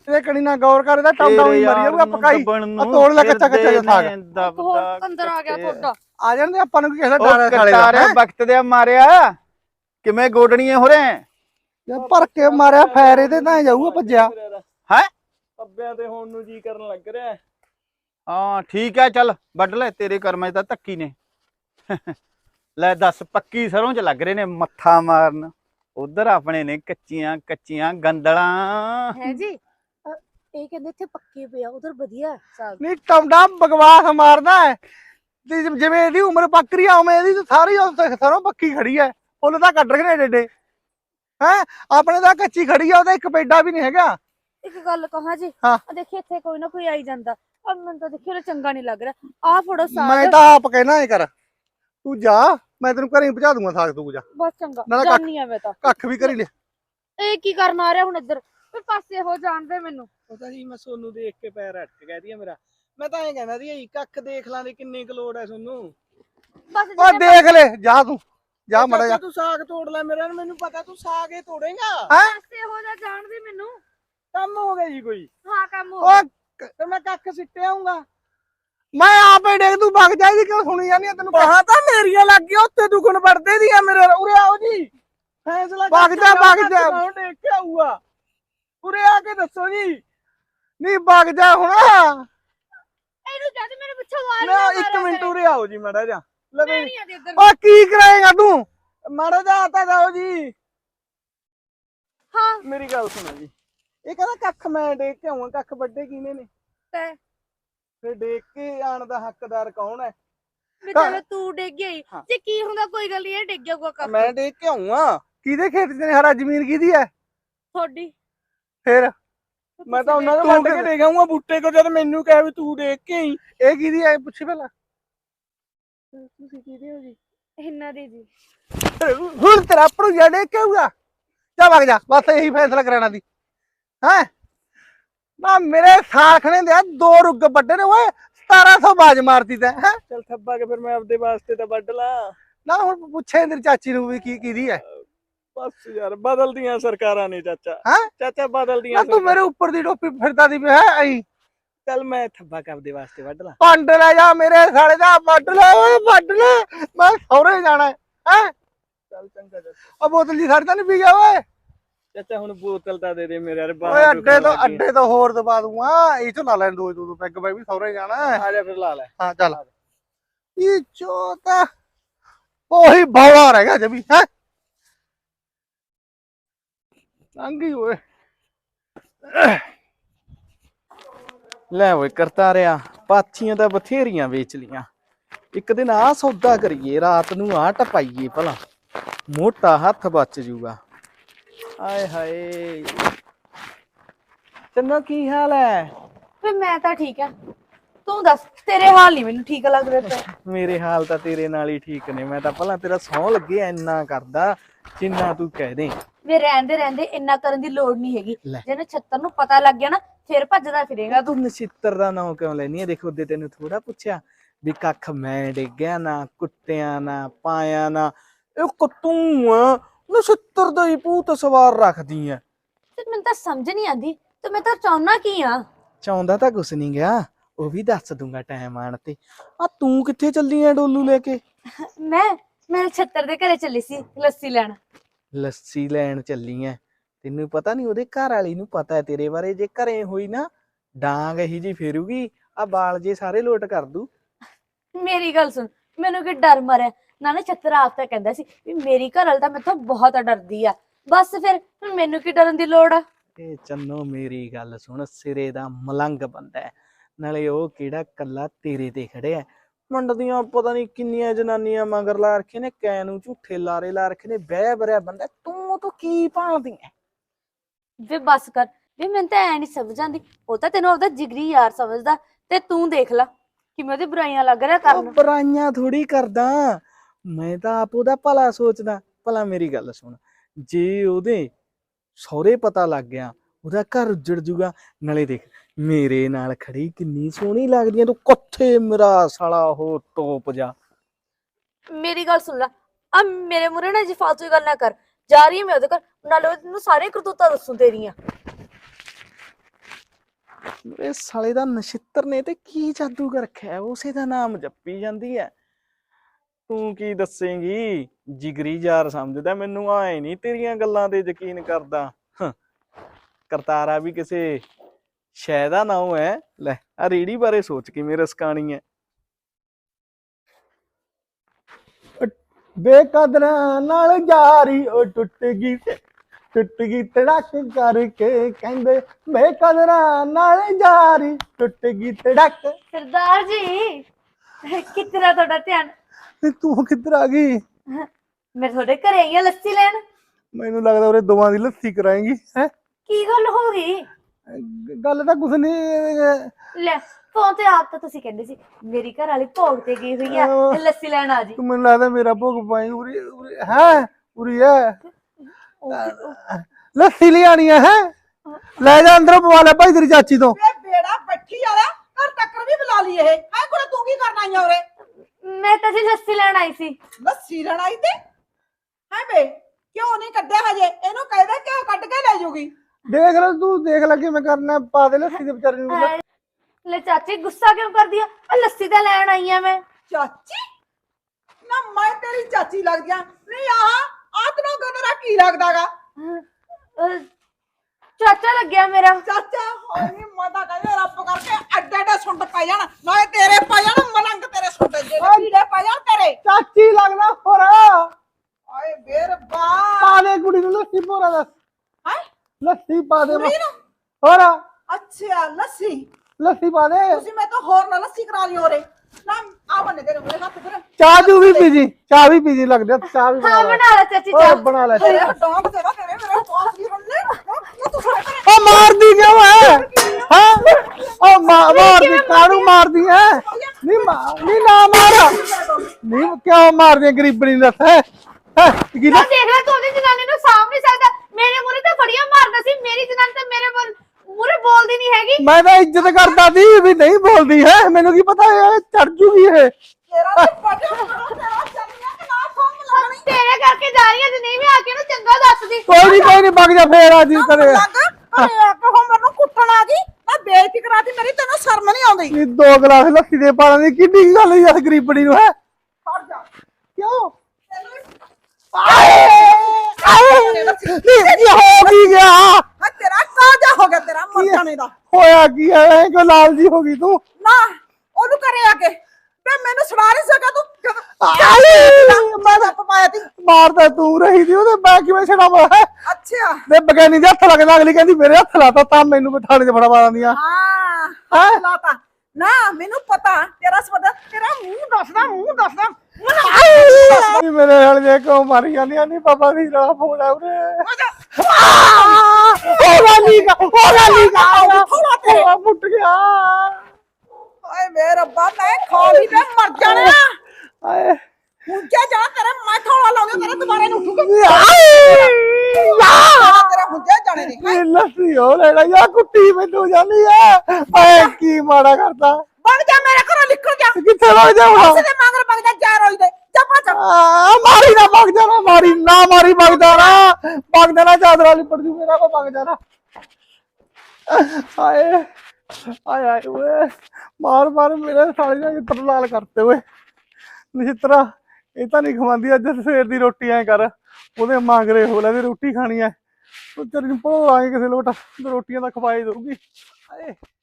ਇਹ ਕਣੀ ਨਾ ਗੌਰ ਕਰ, ਇਹਦਾ ਟੰਡਾ ਤੇਰੇ ਹੀ ਮਰੀ ਯਾਰ ਜਾਊਗਾ ਨੂੰ ਪਕਾਈ। ਦੱਬਣ ਆ ਨੂੰ ਤੋੜ ਲੈ ਕੱਚਾ ਕੱਚਾ ਜਿਹਾ ਸਾਗ। ਫਿਰਦੇ ਨੇ ਇੱਕ ਹੋਰ ਦੱਬਦਾ ਅੰਦਰ ਆ ਗਿਆ ਕਿੱਥੇ। ਤੁਹਾਡਾ। ਆ ਜਾਂਦੇ ਆਪਾਂ ਨੂੰ ਕੀ ਕਿਸੇ ਉਹ ਡਰ ਹੈ ਸਾਲੇ ਦਾ ਕਟਾਰਿਆ ਹੈਂ? ਵਕਤ ਦੇ ਮਾਰਿਆ ਕਿਵੇਂ ਗੋਡਣੀਆਂ ਹੋ ਰਹੇ ਯਾਰ ਭਰ ਕੇ ਮਾਰਿਆ ਫੈਰ ਇਹਦੇ ਤਾਂ ਜਾਊਗਾ ਭੱਜਿਆ। ਹੈ ਅੱਬਿਆਂ ਤੇ ਹੁਣ ਨੂੰ ਜੀ ਕਰਨ ਲੱਗ ਰਿਹਾ ਹੈ। ਹਾਂ ਠੀਕ ਹੈ ਚੱਲ ਵੱਢ ਲੈ, ਤੇਰੇ ਕਰਮਾਂ 'ਚ ਤਾਂ ਧੱਕੀ ਨੇ। ਲੈ ਦੱਸ ਪੱਕੀ ਸਰੋਂ 'ਚ ਲੱਗ ਰਹੇ ਨੇ ਮੱਥਾ ਮਾਰਨ, ਉਧਰ ਆਪਣੇ ਨੇ ਕੱਚੀਆਂ ਕੱਚੀਆਂ ਗੰਦਲਾਂ। ਹੈ ਜੀ ਅ, ਇਹ ਕਹਿੰਦੇ ਇੱਥੇ ਪੱਕੇ ਪਿਆ, ਉਧਰ ਵਧੀਆ ਹੈ ਸਾਗ। ਨਹੀਂ ਟੰਡਾ ਬਕਵਾਸ ਮਾਰਦਾ ਹੈ ਤੇ ਜਿ- ਜਿਵੇਂ ਇਹਦੀ ਉਮਰ ਪੱਕ ਰਹੀ ਆ ਉਵੇਂ ਇਹਦੀ ਤਾਂ ਸਾਰੀ ਉਹ ਸ- ਸਰੋਂ ਪੱਕੀ ਖੜੀ ਹੈ। ਫੁੱਲ ਤਾਂ ਕੱਢ ਰਹੇ ਨੇ ਏਡੇ ਹੈ, ਆਪਣੇ ਤਾਂ ਕੱਚੀ ਖੜੀ ਆ, ਉਹਦਾ ਇੱਕ ਪੇਡਾ ਵੀ ਨਹੀਂ ਹੈਗਾ। ਇੱਕ ਗੱਲ ਕਹਾਂ ਜੀ, ਹਾਂ। ਆ ਦੇਖੀ ਇੱਥੇ ਕੋਈ ਨਾ ਕੋਈ ਆਈ ਜਾਂਦਾ, ਆ ਮੈਨੂੰ ਤਾਂ ਦੇਖੀ ਉਹ ਚੰਗਾ ਨਹੀਂ ਲੱਗ ਰਿਹਾ। ਆ ਫੜੋ ਸਾਗ। ਮੈਂ ਤਾਂ ਆਪ ਕਹਿਣਾ ਐ ਕਰ, ਤੂੰ ਜਾ, ਮੈਂ ਤੈਨੂੰ ਘਰੇ ਹੀ ਪਹੁੰਚਾ ਦੂੰਗਾ ਸਾਗ, ਤੂੰ ਜਾ, ਬਸ ਚੰਗਾ, ਨਾਲੇ ਕੱਖ- ਜਾਨੀ ਆ ਮੈਂ ਤਾਂ। ਕੱਖ ਵੀ ਘਰੀ ਲੈ। ਇਹ ਕੀ ਕਰਨ ਆ ਰਿਹਾ ਹੁਣ ਇੱਧਰ? ਵੀ ਪਾਸੇ ਹੋ ਜਾਣਦੇ ਮੈਨੂੰ। ਪਤਾ ਜੀ ਮੈਂ ਸੋਨੂੰ ਦੇਖ ਕੇ ਪੈਰ ਅਟਕ ਗਿਆ ਦੀ ਮੇਰਾ। ਮੈਂ ਤਾਂ ਐਂ ਕਹਿੰਦਾ ਸੀ ਕੱਖ ਦੇਖ ਲਾਂਦੇ ਕਿੰਨੀ ਕੁ ਲੋੜ ਹੈ ਸੋਨੂੰ। ਬਸ ਉਹ ਜਿੰਨੇ ਦੇਖ ਲੈ, ਜਾ ਤੂੰ ਜਾ ਉਹ ਮੜਾ ਜਾ। ਚਾਚਾ ਤੂੰ ਸਾਗ ਤੋੜ ਲੈ ਮੇਰਾ, ਮੈਨੂੰ ਪਤਾ ਤੂੰ ਸਾਗ ਹੀ ਤੋੜੇਗਾ। ਪਾਸੇ ਹੋ ਜਾ ਜਾਣਦੇ ਮੈਨੂੰ। ਕੰਮ ਹੋ ਗਿਆ ਜੀ ਕੋਈ? ਹਾਂ ਕੰਮ ਹੋ ਉਹ ਗਿਆ। ਤੇ ਮੈਂ ਕੱਖ ਸਿੱਟੇ ਆਉਂਗਾ। ਮੈਂ ਆਪੇ ਡੇਗ, ਤੂੰ ਵਗ ਜਾਏਗੀ ਕਿਉਂ ਸੁਣੀ ਜਾਂਦੀ ਆ ਤੈਨੂੰ? ਬਾਹਾਂ ਤਾਂ ਮੇਰੀਆਂ ਲੱਗ ਗਈਆਂ ਉੱਤੇ ਦੁਖਣ ਪੜਦੇ ਦੀਆਂ ਮੇਰੇ। ਉਰੇ ਆਓ ਜੀ, ਫੈਸਲਾ ਵਗ ਜਾ, ਵਗ ਜਾ। ਕੌਣ ਦੇਖ ਕੇ ਆਊਗਾ? ਉਰੇ ਆ ਕੇ ਦੱਸੋ ਜੀ। ਨਹੀਂ ਵਗ ਜਾ ਹੁਣ। ਇਹਨੂੰ ਕਹਿੰਦੇ ਮੇਰੇ ਪਿੱਛੇ ਆਵਾਜ਼ ਨਾ ਨਾ ਇੱਕ ਮਿੰਟ ਉਰੇ ਆਓ ਜੀ ਮਾੜਾ ਜਾ। ਲਵੇ ਨਹੀਂ ਆਦੀ ਇੱਧਰ। ਉਹ ਕੀ ਕਰਾਏਗਾ ਤੂੰ? ਮਾੜਾ ਜਾ ਆਤਾ ਜਾਓ ਜੀ। ਹਾਂ ਮੇਰੀ ਗੱਲ ਸੁਣੋ ਜੀ, ਇਹ ਕਹਿੰਦਾ ਕੱਖ ਮੈਂ ਡੇਕ ਕੇ ਆਉਂਗਾ। ਕੱਖ ਵੱਡੇ ਕਿਹਨੇ ਨੇ? ਤੇ ਫਿਰ ਡੇਕ ਕੇ ਆਣ ਦਾ ਹੱਕਦਾਰ ਕੌਣ ਹੈ? ਵੀ ਚਲੋ ਤੂੰ ਡਿੱਗ ਗਈ, ਹਾਂ। ਜੇ ਕੀ ਹੁੰਦਾ ਕੋਈ ਗੱਲ ਨਹੀਂ, ਇਹ ਡਿੱਗ ਗਿਆ ਕੋਈ ਮੈਂ ਡੇਕ ਕੇ ਆਉਂਗਾ। ਕਿਹਦੇ ਖੇਤ 'ਚ ਨੇ ਹਰਾ ਜ਼ਮੀਨ ਕਿਹਦੀ ਹੈ? ਤੁਹਾਡੀ। ਫਿਰ ਮੈਂ ਤਾਂ ਉਹਨਾਂ ਨੂੰ ਤੂੰ ਵੱਢ ਕੇ ਕਿਵੇਂ- ਡੇਕ ਆਉਂਗਾ ਬੂਟੇ ਕੋ, ਜਦ ਮੈਨੂੰ ਕਹੇ ਵੀ ਤੂੰ ਡੇਕ ਕੇ ਆਈ। ਇਹ ਕਿਹਦੀ ਹੈ ਪੁੱਛੀ ਪਹਿਲਾਂ। ਤੁਸੀਂ ਕਿਹਦੇ ਹੋ ਜੀ? ਇਹਨਾਂ ਦੀ ਜੀ। ਹੁਣ ਤੇਰਾ ਭਰੂਜਾ ਡੇਗ ਕੇ ਆਊਗਾ? ਜਾ ਵਗ ਜਾ, ਬਸ ਇਹੀ ਫੈਸਲਾ ਕਰਾਣਾ ਦੀ ਹੈ ਨਾ। ਮੇਰੇ ਸਾਖਣੇ ਦੇ ਆ ਦੋ ਰੁੱਗ ਵੱਡੇ ਨੇ ਓਏ, ਸਤਾਰਾਂ ਸੌ ਬਾਜ ਮਾਰਤੀ ਤੈਂ ਹੈ ਚਲ ਥੱਬਾ ਕੇ ਫਿਰ ਮੈਂ ਆਪਦੇ ਵਾਸਤੇ ਤਾਂ ਵੱਢ ਲਾ। ਨਾ। ਹੁਣ ਪੁੱਛੇ ਤੇਰੀ ਚਾਚੀ ਨੂੰ ਵੀ ਕੀ ਕਿਹਦੀ ਹੈ? ਬਸ ਯਾਰ ਬਦਲਦੀਆਂ ਸਰਕਾਰਾਂ ਨੇ ਚਾਚਾ। ਹੈਂ? ਚਾਚਾ ਬਦਲਦੀਆਂ ਨਾ ਤੂੰ ਮੇਰੇ ਉੱਪਰ ਦੀ ਟੋਪੀ ਫਿਰਦਾ ਦੀ ਹੈ ਆਈ। ਚੱਲ ਮੈਂ ਥੱਬਾ ਕੇ ਆਪਦੇ ਵਾਸਤੇ ਵੱਢ ਲਾ। ਪੰਡ ਲੈ ਜਾ ਮੇਰੇ ਸਾਲੇ ਦਾ, ਵੱਢ ਲੈ ਓਏ ਵੱਢ ਲੈ, ਮੈਂ ਸਹੁਰੇ ਜਾਣਾ ਹੈ ਹੈਂ? ਚੱਲ ਚੰਗਾ ਚਾਚਾ। ਉਹ ਬੋਤਲ ਜੀ ਸਾਡੀ ਤਾਂ ਨਹੀਂ ਪੀ ਗਿਆ ਓਏ। ਚਾਚਾ ਹੁਣ ਬੋਤਲ ਤਾਂ ਦੇ ਦੇ ਮੇਰੇ ਯਾਰ। ਓਏ ਅੱਡੇ ਤੋਂ ਅੱਡੇ ਤੋਂ ਹੋਰ ਦਬਾ ਦੂੰਗਾ। ਇਹ ਚੋਂ ਲਾ ਲੈਣ ਦੋ ਦੋ ਪੈਗ, ਮੈਂ ਵੀ ਸਹੁਰੇ ਜਾਣਾ ਹੈ। ਆ ਜਾ ਫਿਰ ਲਾ ਲੈ। ਹਾਂ ਚੱਲ। ਇਹ ਚੋਤਾ ਉਹੀ ਭੌਲਾ ਰਹਿ ਗਿਆ ਜਬੀ ਹੈ। ਲੰਗੀ ਓਏ। ਲੈ ਓਏ ਕਰਤਾਰਿਆ, ਪਾਥੀਆਂ ਤਾਂ ਬਥੇਰੀਆਂ ਵੇਚ ਲੀਆਂ। ਇੱਕ ਦਿਨ ਆ ਸੌਦਾ ਕਰੀਏ, ਰਾਤ ਨੂੰ ਆ ਟਪਾਈਏ ਭਲਾ, ਮੋਟਾ ਹੱਥ ਬਚ ਜੂਗਾ। ਆਏ ਹਾਏ ਚੰਗਾ, ਕੀ ਹਾਲ ਹੈ? ਵੀ ਮੈਂ ਤਾਂ ਠੀਕ ਆ, ਤੂੰ ਦੱਸ ਤੇਰੇ ਹਾਲ ਨਹੀਂ ਮੈਨੂੰ ਠੀਕ ਲੱਗ ਰਿਹਾ ਤੇ। ਮੇਰੇ ਹਾਲ ਤਾਂ ਤੇਰੇ ਨਾਲ ਹੀ ਠੀਕ ਨੇ। ਮੈਂ ਤਾਂ ਭਲਾ ਤੇਰਾ ਸਹੁੰ ਲੱਗੇ ਇੰਨਾ ਕਰਦਾ ਜਿੰਨਾ ਤੂੰ ਕਹਿ ਦੇ। ਵੀ ਰਹਿੰਦੇ ਰਹਿੰਦੇ ਇੰਨਾ ਕਰਨ ਦੀ ਲੋੜ ਨਹੀਂ ਹੈਗੀ। ਲੈ। ਜੇ ਨਛੱਤਰ ਨੂੰ ਪਤਾ ਲੱਗ ਗਿਆ ਨਾ, ਫਿਰ ਭੱਜਦਾ ਫਿਰੇਗਾ ਤੂੰ। ਤੂੰ ਨਛਿੱਤਰ ਦਾ ਨਾਂ ਕਿਉਂ ਲੈਨੀ ਹੈ? ਦੇਖੋ ਉਹਦੇ ਤੈਨੂੰ ਥੋੜਾ ਪੁੱਛਿਆ ਵੀ ਕੱਖ ਮੈਂ ਡਿੱਗਿਆ ਨਾ, ਕੁੱਟਿਆ ਨਾ, ਪਾਇਆ ਨਾ। ਇਹ ਤੂੰ ਆ ਨਛਿੱਤਰ ਦਾ ਹੀ ਭੂਤ ਸਵਾਰ ਰੱਖਦੀ ਐ। ਤੇ ਮੈਨੂੰ ਤਾਂ ਸਮਝ ਨਹੀਂ ਆਂਦੀ ਤੇ ਮੈਂ ਤਾਂ ਚਾਹੁੰਨਾ ਕੀ ਆ। ਚਾਹੁੰਦਾ ਤਾਂ ਕੁਛ ਨਹੀਂ ਗਿਆ, ਉਹ ਵੀ ਦੱਸ ਦੂੰਗਾ ਟਾਈਮ ਆਣ ਤੇ। ਆ ਤੂੰ ਕਿੱਥੇ ਚੱਲੀ ਐ ਡੋਲੂ ਲੈ ਕੇ? ਮੈਂ ਮੈਂ ਨਛੱਤਰ ਦੇ ਘਰੇ ਚੱਲੀ ਸੀ ਲੱਸੀ ਲੈਣ। ਲੱਸੀ ਲੈਣ ਚੱਲੀ ਐ? ਤੈਨੂੰ ਪਤਾ ਨਹੀਂ ਉਹਦੇ ਘਰ ਵਾਲੀ ਨੂੰ ਪਤਾ ਹੈ ਤੇਰੇ ਬਾਰੇ। ਜੇ ਘਰੇ ਹੋਈ ਨਾ ਡਾਂਗ ਇਹੀ ਜੀ ਫੇਰੂਗੀ, ਆ ਬਾਲ ਜੇ ਸਾਰੇ ਲੋਟ ਕਰ ਦੂ। ਮੇਰੀ ਗੱਲ ਸੁਣ, ਮੈਨੂੰ ਕਿ ਡਰ ਮਰਿਆ ਨਾ। ਨਛੱਤਰ ਆਪ ਤਾਂ ਕਹਿੰਦਾ ਸੀ ਵੀ ਮੇਰੀ ਘਰ ਵਾਲੀ ਤਾਂ ਮੈਥੋਂ ਬਹੁਤ ਡਰਦੀ ਆ। ਬਸ ਫਿਰ ਹੁਣ ਮੈਨੂੰ ਕੀ ਡਰਨ ਦੀ ਲੋੜ ਆ? ਇਹ ਚੰਨੋ ਮੇਰੀ ਗੱਲ ਸੁਣ, ਸਿਰੇ ਦਾ ਮਲੰਗ ਬੰਦਾ ਹੈ, ਨਾਲੇ ਉਹ ਕਿਹੜਾ ਕੱਲਾ ਤੇਰੇ ਤੇ ਖੜਿਆ। ਮੁੰਡ ਦੀਆਂ ਪਤਾ ਨਹੀਂ ਕਿੰਨੀਆਂ ਜਨਾਨੀਆਂ ਮਗਰ ਲਾ ਰੱਖੇ ਨੇ, ਕੈ ਨੂੰ ਝੂਠੇ ਲਾਰੇ ਲਾ ਰੱਖੇ ਨੇ। ਬਹਿ ਬਰਿਆ ਬੰਦਾ ਤੂੰ ਤੂੰ ਕੀ ਭਾਲਦੀ ਐ? ਵੇ ਬਸ ਕਰ ਵੀ, ਮੈਨੂੰ ਤਾਂ ਐ ਨਹੀਂ ਸਮਝ ਆਂਦੀ। ਉਹ ਤਾਂ ਤੈਨੂੰ ਆਪਦਾ ਜਿਗਰੀ ਯਾਰ ਸਮਝਦਾ, ਤੇ ਤੂੰ ਦੇਖ ਲੈ ਕਿਵੇਂ ਉਹਦੀ ਬੁਰਾਈਆਂ ਲੱਗ ਰਿਹਾ ਉਹ ਕਰਨ। ਬੁਰਾਈਆਂ ਥੋੜੀ ਕਰਦਾ, ਮੈਂ ਤਾਂ ਆਪ ਉਹਦਾ ਭਲਾ ਸੋਚਦਾ। ਭਲਾ ਮੇਰੀ ਗੱਲ ਸੁਣ, ਜੇ ਉਹਦੇ ਸਹੁਰੇ ਪਤਾ ਲੱਗ ਗਿਆ, ਉਹਦਾ ਘਰ ਉੱਜੜ ਜੂਗਾ। ਨਾਲੇ ਦੇਖ ਮੇਰੇ ਨਾਲ ਖੜੀ ਕਿੰਨੀ ਸੋਹਣੀ ਲੱਗਦੀ ਐ ਤੂੰ। ਕਿੱਥੇ ਮੇਰਾ ਸਾਲਾ ਉਹ ਟੋਪ ਜਾ। ਮੇਰੀ ਗੱਲ ਸੁਣ ਲੈ, ਆ ਮੇਰੇ ਮੂਹਰੇ ਨਾ ਜੀ ਫਾਲਤੂ ਦੀ ਗੱਲ ਨਾ ਕਰ। ਜਾ ਰਹੀ ਹੈ ਮੈਂ ਉਹਦੇ ਘਰ, ਨਾਲੇ ਉਹਨੂੰ ਸਾਰੇ ਕਰਤੂਤਾਂ ਦੱਸੂ ਤੇਰੀਆਂ। ਇਹ ਸਾਲੇ ਦਾ ਨਛਿੱਤਰ ਨੇ ਤੇ ਕੀ ਜਾਦੂ ਕਰ ਰੱਖਿਆ ਹੈ? ਉਸੇ ਦਾ ਨਾਮ ਜੱਪੀ ਜਾਂਦੀ ਹੈ। ਤੂੰ ਕੀ ਦੱਸੇਂਗੀ? ਜਿਗਰੀ ਯਾਰ ਸਮਝਦਾ ਮੈਨੂੰ, ਆਏ ਨਹੀਂ ਤੇਰੀਆਂ ਗੱਲਾਂ ਤੇ ਯਕੀਨ ਕਰਦਾ। ਹੰ, ਕਰਤਾਰਾ ਵੀ ਕਿਸੇ ਸ਼ੈ ਦਾ ਨਾਮ ਹੈ। ਲੈ ਆ ਰੇੜੀ ਬਾਰੇ ਸੋਚ ਕਿਵੇਂ ਰਸਕਾਣੀ ਹੈ। ਬੇਕਦਰਾਂ ਨਾਲ ਯਾਰੀ ਉਹ ਟੁੱਟ ਗਈ ਟੁੱਟ ਗਈ ਧੜਕ ਕਰਕੇ ਕਹਿੰਦੇ ਬੇਕਦਰਾਂ ਨਾਲ ਯਾਰੀ ਟੁੱਟ ਗਈ ਧੜਕ। ਸਰਦਾਰ ਜੀ ਕਿਤਨਾ ਤੁਹਾਡਾ ਧਿਆਨ। ਤੇ ਤੂੰ ਕਿੱਧਰ ਆ ਗਈ? ਮੈਂ ਤੁਹਾਡੇ ਘਰੇ ਆਈ ਆ ਲੱਸੀ ਲੈਣ। ਮੈਨੂੰ ਲੱਗਦਾ ਉਰੇ ਦੋਵਾਂ ਦੀ ਲੱਸੀ ਕਰਾਏਂਗੀ ਹੈ। ਕੀ ਗੱਲ ਹੋ ਗਈ? ਗੱਲ ਤਾਂ ਕੁਛ ਨਹੀਂ। ਲੈ ਫੋਨ ਤੇ ਆਪ ਤਾਂ ਤੁਸੀਂ ਕਹਿੰਦੇ ਸੀ ਮੇਰੀ ਘਰ ਵਾਲੀ ਭੋਗ ਤੇ ਗਈ ਹੋਈ ਆ ਅਹ, ਲੱਸੀ ਲੈਣ ਆ ਜੀ। ਤੂੰ ਮੈਨੂੰ ਲੱਗਦਾ ਮੇਰਾ ਭੋਗ ਪਾਈ ਉਰੀ ਉਰੀ ਹੈ ਉਰੀ ਹੈ ਲੱਸੀ ਲਿਆਣੀ ਹੈ। ਲੈ ਜਾ ਅੰਦਰੋਂ ਪਵਾ ਲੈ ਭਾਈ ਤੇਰੀ ਚਾਚੀ ਤੋਂ। ਵੇ ਬੇੜਾ ਬੱਠੀ ਵਾਲਾ ਘਰ ਟੱਕਰ ਵੀ ਬੁਲਾ ਲਈ ਇਹ। ਹੈ ਕੋਲੇ ਤੂੰ ਕੀ ਕਰਨ ਆਈ ਆ ਉਰੇ? ਮੈਂ ਤਾਂ ਜੀ ਲੱਸੀ ਲੈਣ ਆਈ ਸੀ। ਲੱਸੀ ਲੈਣ ਆਈ ਤੇ ਹੈ ਵੇ ਕਿਉਂ ਨਹੀਂ ਕੱਢਿਆ ਹਜੇ? ਇਹਨੂੰ ਕਹਿੰਦੇ ਕਿਉਂ ਕੱਢ ਕੇ ਲੈ ਜੂਗੀ? ਦੇਖ ਲੈ ਤੂੰ ਦੇਖ ਲੈ ਕਿਵੇਂ ਕਰਨਾ। ਪਾ ਦੇ ਲੱਸੀ ਦੇ ਵਿਚਾਰੇ ਨੂੰ। ਹਾਏ, ਲੈ ਚਾਚੀ ਗੁੱਸਾ ਕਿਉਂ ਕਰਦੀ ਆ? ਆ ਲੱਸੀ ਤਾਂ ਲੈਣ ਆਈ ਆ ਮੈਂ। ਚਾਚੀ ਨਾ ਮੈਂ ਤੇਰੀ ਚਾਚੀ ਲੱਗ ਗਿਆ ਨਹੀਂ? ਆਹ ਆਹ ਤੈਨੂੰ ਤੇਰਾ ਕੀ ਲੱਗਦਾਗਾ? ਅਹ, ਚਾਚਾ ਲੱਗਿਆ ਮੇਰਾ। ਚਾਚਾ ਹੋਈ ਮਾਤਾ ਕਹਿੰਦੇ ਰੱਬ ਕਰਕੇ ਐਡੇ ਐਡੇ ਸੁੰਡ ਪੈ ਜਾਣ ਨਾਲੇ ਤੇਰੇ ਪੈ ਜਾਣ ਮਲੰਗ ਤੇਰੇ ਸੁੰਡ ਜਿਹੜੇ ਕੀੜੇ ਪੈ ਜਾਣ ਤੇਰੇ। ਚਾਚੀ ਲੱਗਦਾ ਹੋਰ ਆਏ ਬੇਰਬਾ ਪਾ ਦੇ ਕੁੜੀ ਨੂੰ ਲੱਸੀ ਪੋਰਾ ਦਾ। ਹੈ ਲੱਸੀ ਪਾ ਦੇ ਕੁੜੀ ਨੂੰ? ਹੋਰ ਅੱਛਾ ਲੱਸੀ ਲੱਸੀ ਪਾ ਦੇ। ਤੁਸੀਂ ਮੈਂ ਤਾਂ ਹੋਰ ਨਾ ਲੱਸੀ ਕਰਾ ਲਈ ਹੋਰੇ ਨਾ। ਆ ਬੰਨੇ ਤੇਰੇ ਮੂਹਰੇ ਹੱਥ ਫਿਰ। ਚਾਹ ਤੂੰ ਵੀ ਪੀ ਜੀ। ਚਾਹ ਵੀ ਪੀ ਜੀ ਲੱਗਦਾ ਚਾਹ ਵੀ ਹਾਂ ਬਣਾ ਲੈ। ਬਣਾ ਲੈ ਚਾਚੀ ਓਏ ਚਾਹ। ਬਣਾ ਲੈ ਤੇਰੇ ਡੋਂਗ ਤੇਰਾ ਤੇਰੇ ਮੇਰੇ ਪਾਸ ਵੀ ਬੰਨੇ ਉਹ ਤੂੰ ਫੜ ਕੇ ਉਹ ਮਾਰਦੀ ਕਿਉਂ ਹੈ? ਹਾਂ ਉਹ ਮਾ- ਮਾਰਦੀ ਕਾਹਨੂੰ ਮਾਰਦੀ ਹੈ? ਨਹੀਂ ਮਾਰ ਨਹੀਂ ਨਾ ਮਾਰ ਨਹੀਂ ਕਿਉਂ ਮਾਰਦੀ ਗਰੀਬਣੀ ਨੂੰ ਦੱਸ ਹੈ ਕੀ ਤੂੰ ਦੇਖ ਲੈ ਤੂੰ ਉਹਦੀ ਜਨਾਨੀ ਨੂੰ ਸਾਂਭ ਨਹੀਂ ਸਕਦਾ। ਮੇਰੇ ਮੂਹਰੇ ਤਾਂ ਫੜੀਆਂ ਮਾਰਦਾ ਸੀ। ਮੇਰੀ ਜਨਾਨੀ ਤਾਂ ਮੇਰੇ ਮੂਹਰੇ ਬੋਲਦੀ ਨਹੀਂ ਹੈਗੀ। ਮੈਂ ਤਾਂ ਇੱਜ਼ਤ ਕਰਦਾ ਸੀ ਵੀ ਨਹੀਂ ਬੋਲਦੀ ਹੈ। ਮੈਨੂੰ ਕੀ ਪਤਾ ਇਹ ਚੜ ਜੂਗੀ ਇਹ। ਤੇਰਾ ਤੇ ਪਟਿਆ ਤੇਰਾ ਚੱਲਿਆ ਕਿ ਨਾ ਫੋਨ ਲੱਗਣੀ ਤੇਰੇ ਕਰਕੇ ਜਾ ਰਹੀ ਆ ਜੇ ਨਹੀਂ ਵੀ ਆ ਕੇ ਉਹਨੂੰ ਚੰਗਾ ਦੱਸਦੀ। ਕੋਈ ਨਹੀਂ ਕੋਈ ਨਹੀਂ ਵਗ ਜਾ ਫੇਰ ਆ ਜੀ ਕਰੇ। ਲੱਗ ਅਰੇ ਆ ਕੇ ਹੁਣ ਮੈਨੂੰ ਕੁੱਟਣ ਆ ਗਈ ਨਾ। ਬੇਇੱਜ਼ਤੀ ਕਰਾਤੀ ਮੇਰੀ। ਤੈਨੂੰ ਸ਼ਰਮ ਨਹੀਂ ਆਉਂਦੀ? ਇਹ ਦੋ ਗਲਾਸ ਲੱਸੀ ਦੇ ਪਾਣ ਦੀ ਕਿੰਨੀ ਕੁ ਗੱਲ ਹੈ ਗਰੀਬਣੀ ਨੂੰ ਹੈ। ਫੜ ਜਾ ਕਿਉਂ ਤੈਨੂੰ ਕੀ ਹੋ ਕੀ ਗਿਆ? ਹਾਂ ਤੇਰਾ ਕਾਜਾ ਹੋ ਗਿਆ ਤੇਰਾ ਮਰ ਜਾਣੇ ਦਾ। ਹੋਇਆ ਕੀ ਹੈ? ਕਿਉਂ ਲਾਲ ਜੀ ਹੋ ਗਈ ਤੂੰ? ਨਾ ਉਹਨੂੰ ਕਰੇ ਆ ਕੇ ਤੇ ਮੈਨੂੰ ਸੁਣਾ ਨਹੀਂ ਸਕਾ ਤੂੰ। ਮੈਂ ਤਾਂ ਪਵਾਇਆ ਤੀ। ਮਾਰਦਾ ਤੂੰ ਰਹੀ ਦੀ ਉਹਦੇ ਮੈਂ ਕਿਵੇਂ ਛੜਾਵਾਂ ਹੈ? ਅੱਛਾ ਤੇ ਬਗੈਨੀ ਦੇ ਹੱਥ ਲੱਗਦਾ। ਅਗਲੀ ਕਹਿੰਦੀ ਮੇਰੇ ਹੱਥ ਲਾਤਾ ਤਾਂ ਮੈਨੂੰ ਬਿਠਾਣੇ 'ਚ ਫੜਵਾ ਦਿੰਦੀਆਂ। ਹਾਂ ਹੈਂ? ਲਾਤਾ ਨਾ ਮੈਨੂੰ ਪਤਾ ਤੇਰਾ ਸਬਦ ਤੇਰਾ ਮੂੰਹ ਦੱਸਦਾ ਮੂੰਹ ਦੱਸਦਾ ਨਹੀਂ ਮੇਰੇ ਨਾਲ ਜੇ ਕੋ ਮਾਰੀ ਜਾਂਦੀਆਂ ਨਹੀਂ ਪਾਪਾ ਦੀ ਰਹਾ ਫੋਨ ਆ ਉਰੇ। ਹੋ ਗਾਲੀ ਕਾ ਹੋ ਗਾਲੀ ਕਾ ਉਹ ਮੁੱਟ ਗਿਆ। ਓਏ ਮੇ ਰੱਬਾ ਮੈਂ ਖਾ ਲਈ ਤੇ ਮਰ ਜਾਣਾ। ਆਏ ਹੁੰਜੇ ਜਾ ਤੇਰੇ ਮੈਂ ਥੋੜਾ ਲਾਉਂਗਾ ਤੇਰੇ ਦੁਬਾਰੇ ਨੂੰ ਉੱਠੂਗਾ ਤੇਰੇ ਹੁੰਜੇ ਜਾਣੇ ਨੇ। ਇਹ ਲੱਸੀ ਹੋ ਲੈਣਾ ਯਾ ਕੁੱਟੀ ਮੈਨੂੰ ਜਾਨੀ ਹੈ। ਆਏ ਕੀ ਮਾੜਾ ਕਰਦਾ। ਵਗ ਜਾ ਮੇਰੇ ਘਰੋਂ ਨਿਕਲ ਜਾ। ਕਿੱਥੇ ਵਗ ਜਾਵਾਂ? ਉਸੇ ਦੇ ਮਗਰ ਵਗ ਜਾ ਜਾ ਰੋਈ ਦੇ ਜਾ ਭੱਜ। ਆ ਮਾਰੀ ਨਾ ਵਗ ਜਾਣਾ ਮਾਰੀ ਨਾ ਮਾਰੀ ਵਗ ਜਾਣਾ ਵਗ ਜਾਣਾ ਚਾਦਰਾ ਲਿਪੜ ਜੂ ਮੇਰਾ ਕੋ ਵਗ ਜਾਣਾ। ਆਏ ਆਏ ਆਏ ਓਏ ਮਾਰ ਮਾਰ ਮੇਰੇ ਸਾਲੇ ਨੇ ਜਿੱਤਰ ਲਾਲ ਕਰਤੇ ਓਏ। ਨਛਿੱਤਰਾ ਇਹ ਤਾਂ ਨਹੀਂ ਖਵਾਉਂਦੀ। ਅੱਜ ਸਵੇਰ ਦੀ ਰੋਟੀ ਐ ਕਰ ਉਹਦੇ ਮੰਗਰੇ ਹੋ ਲੈ ਵੀ ਰੋਟੀ ਖਾਣੀ ਐ। ਉਹ ਤੇਰੀ ਨੂੰ ਭੋ ਆਏ ਕਿਸੇ ਲੋਟ ਰੋਟੀਆਂ ਦਾ ਖਵਾਏ ਦਊਗੀ। ਆਏ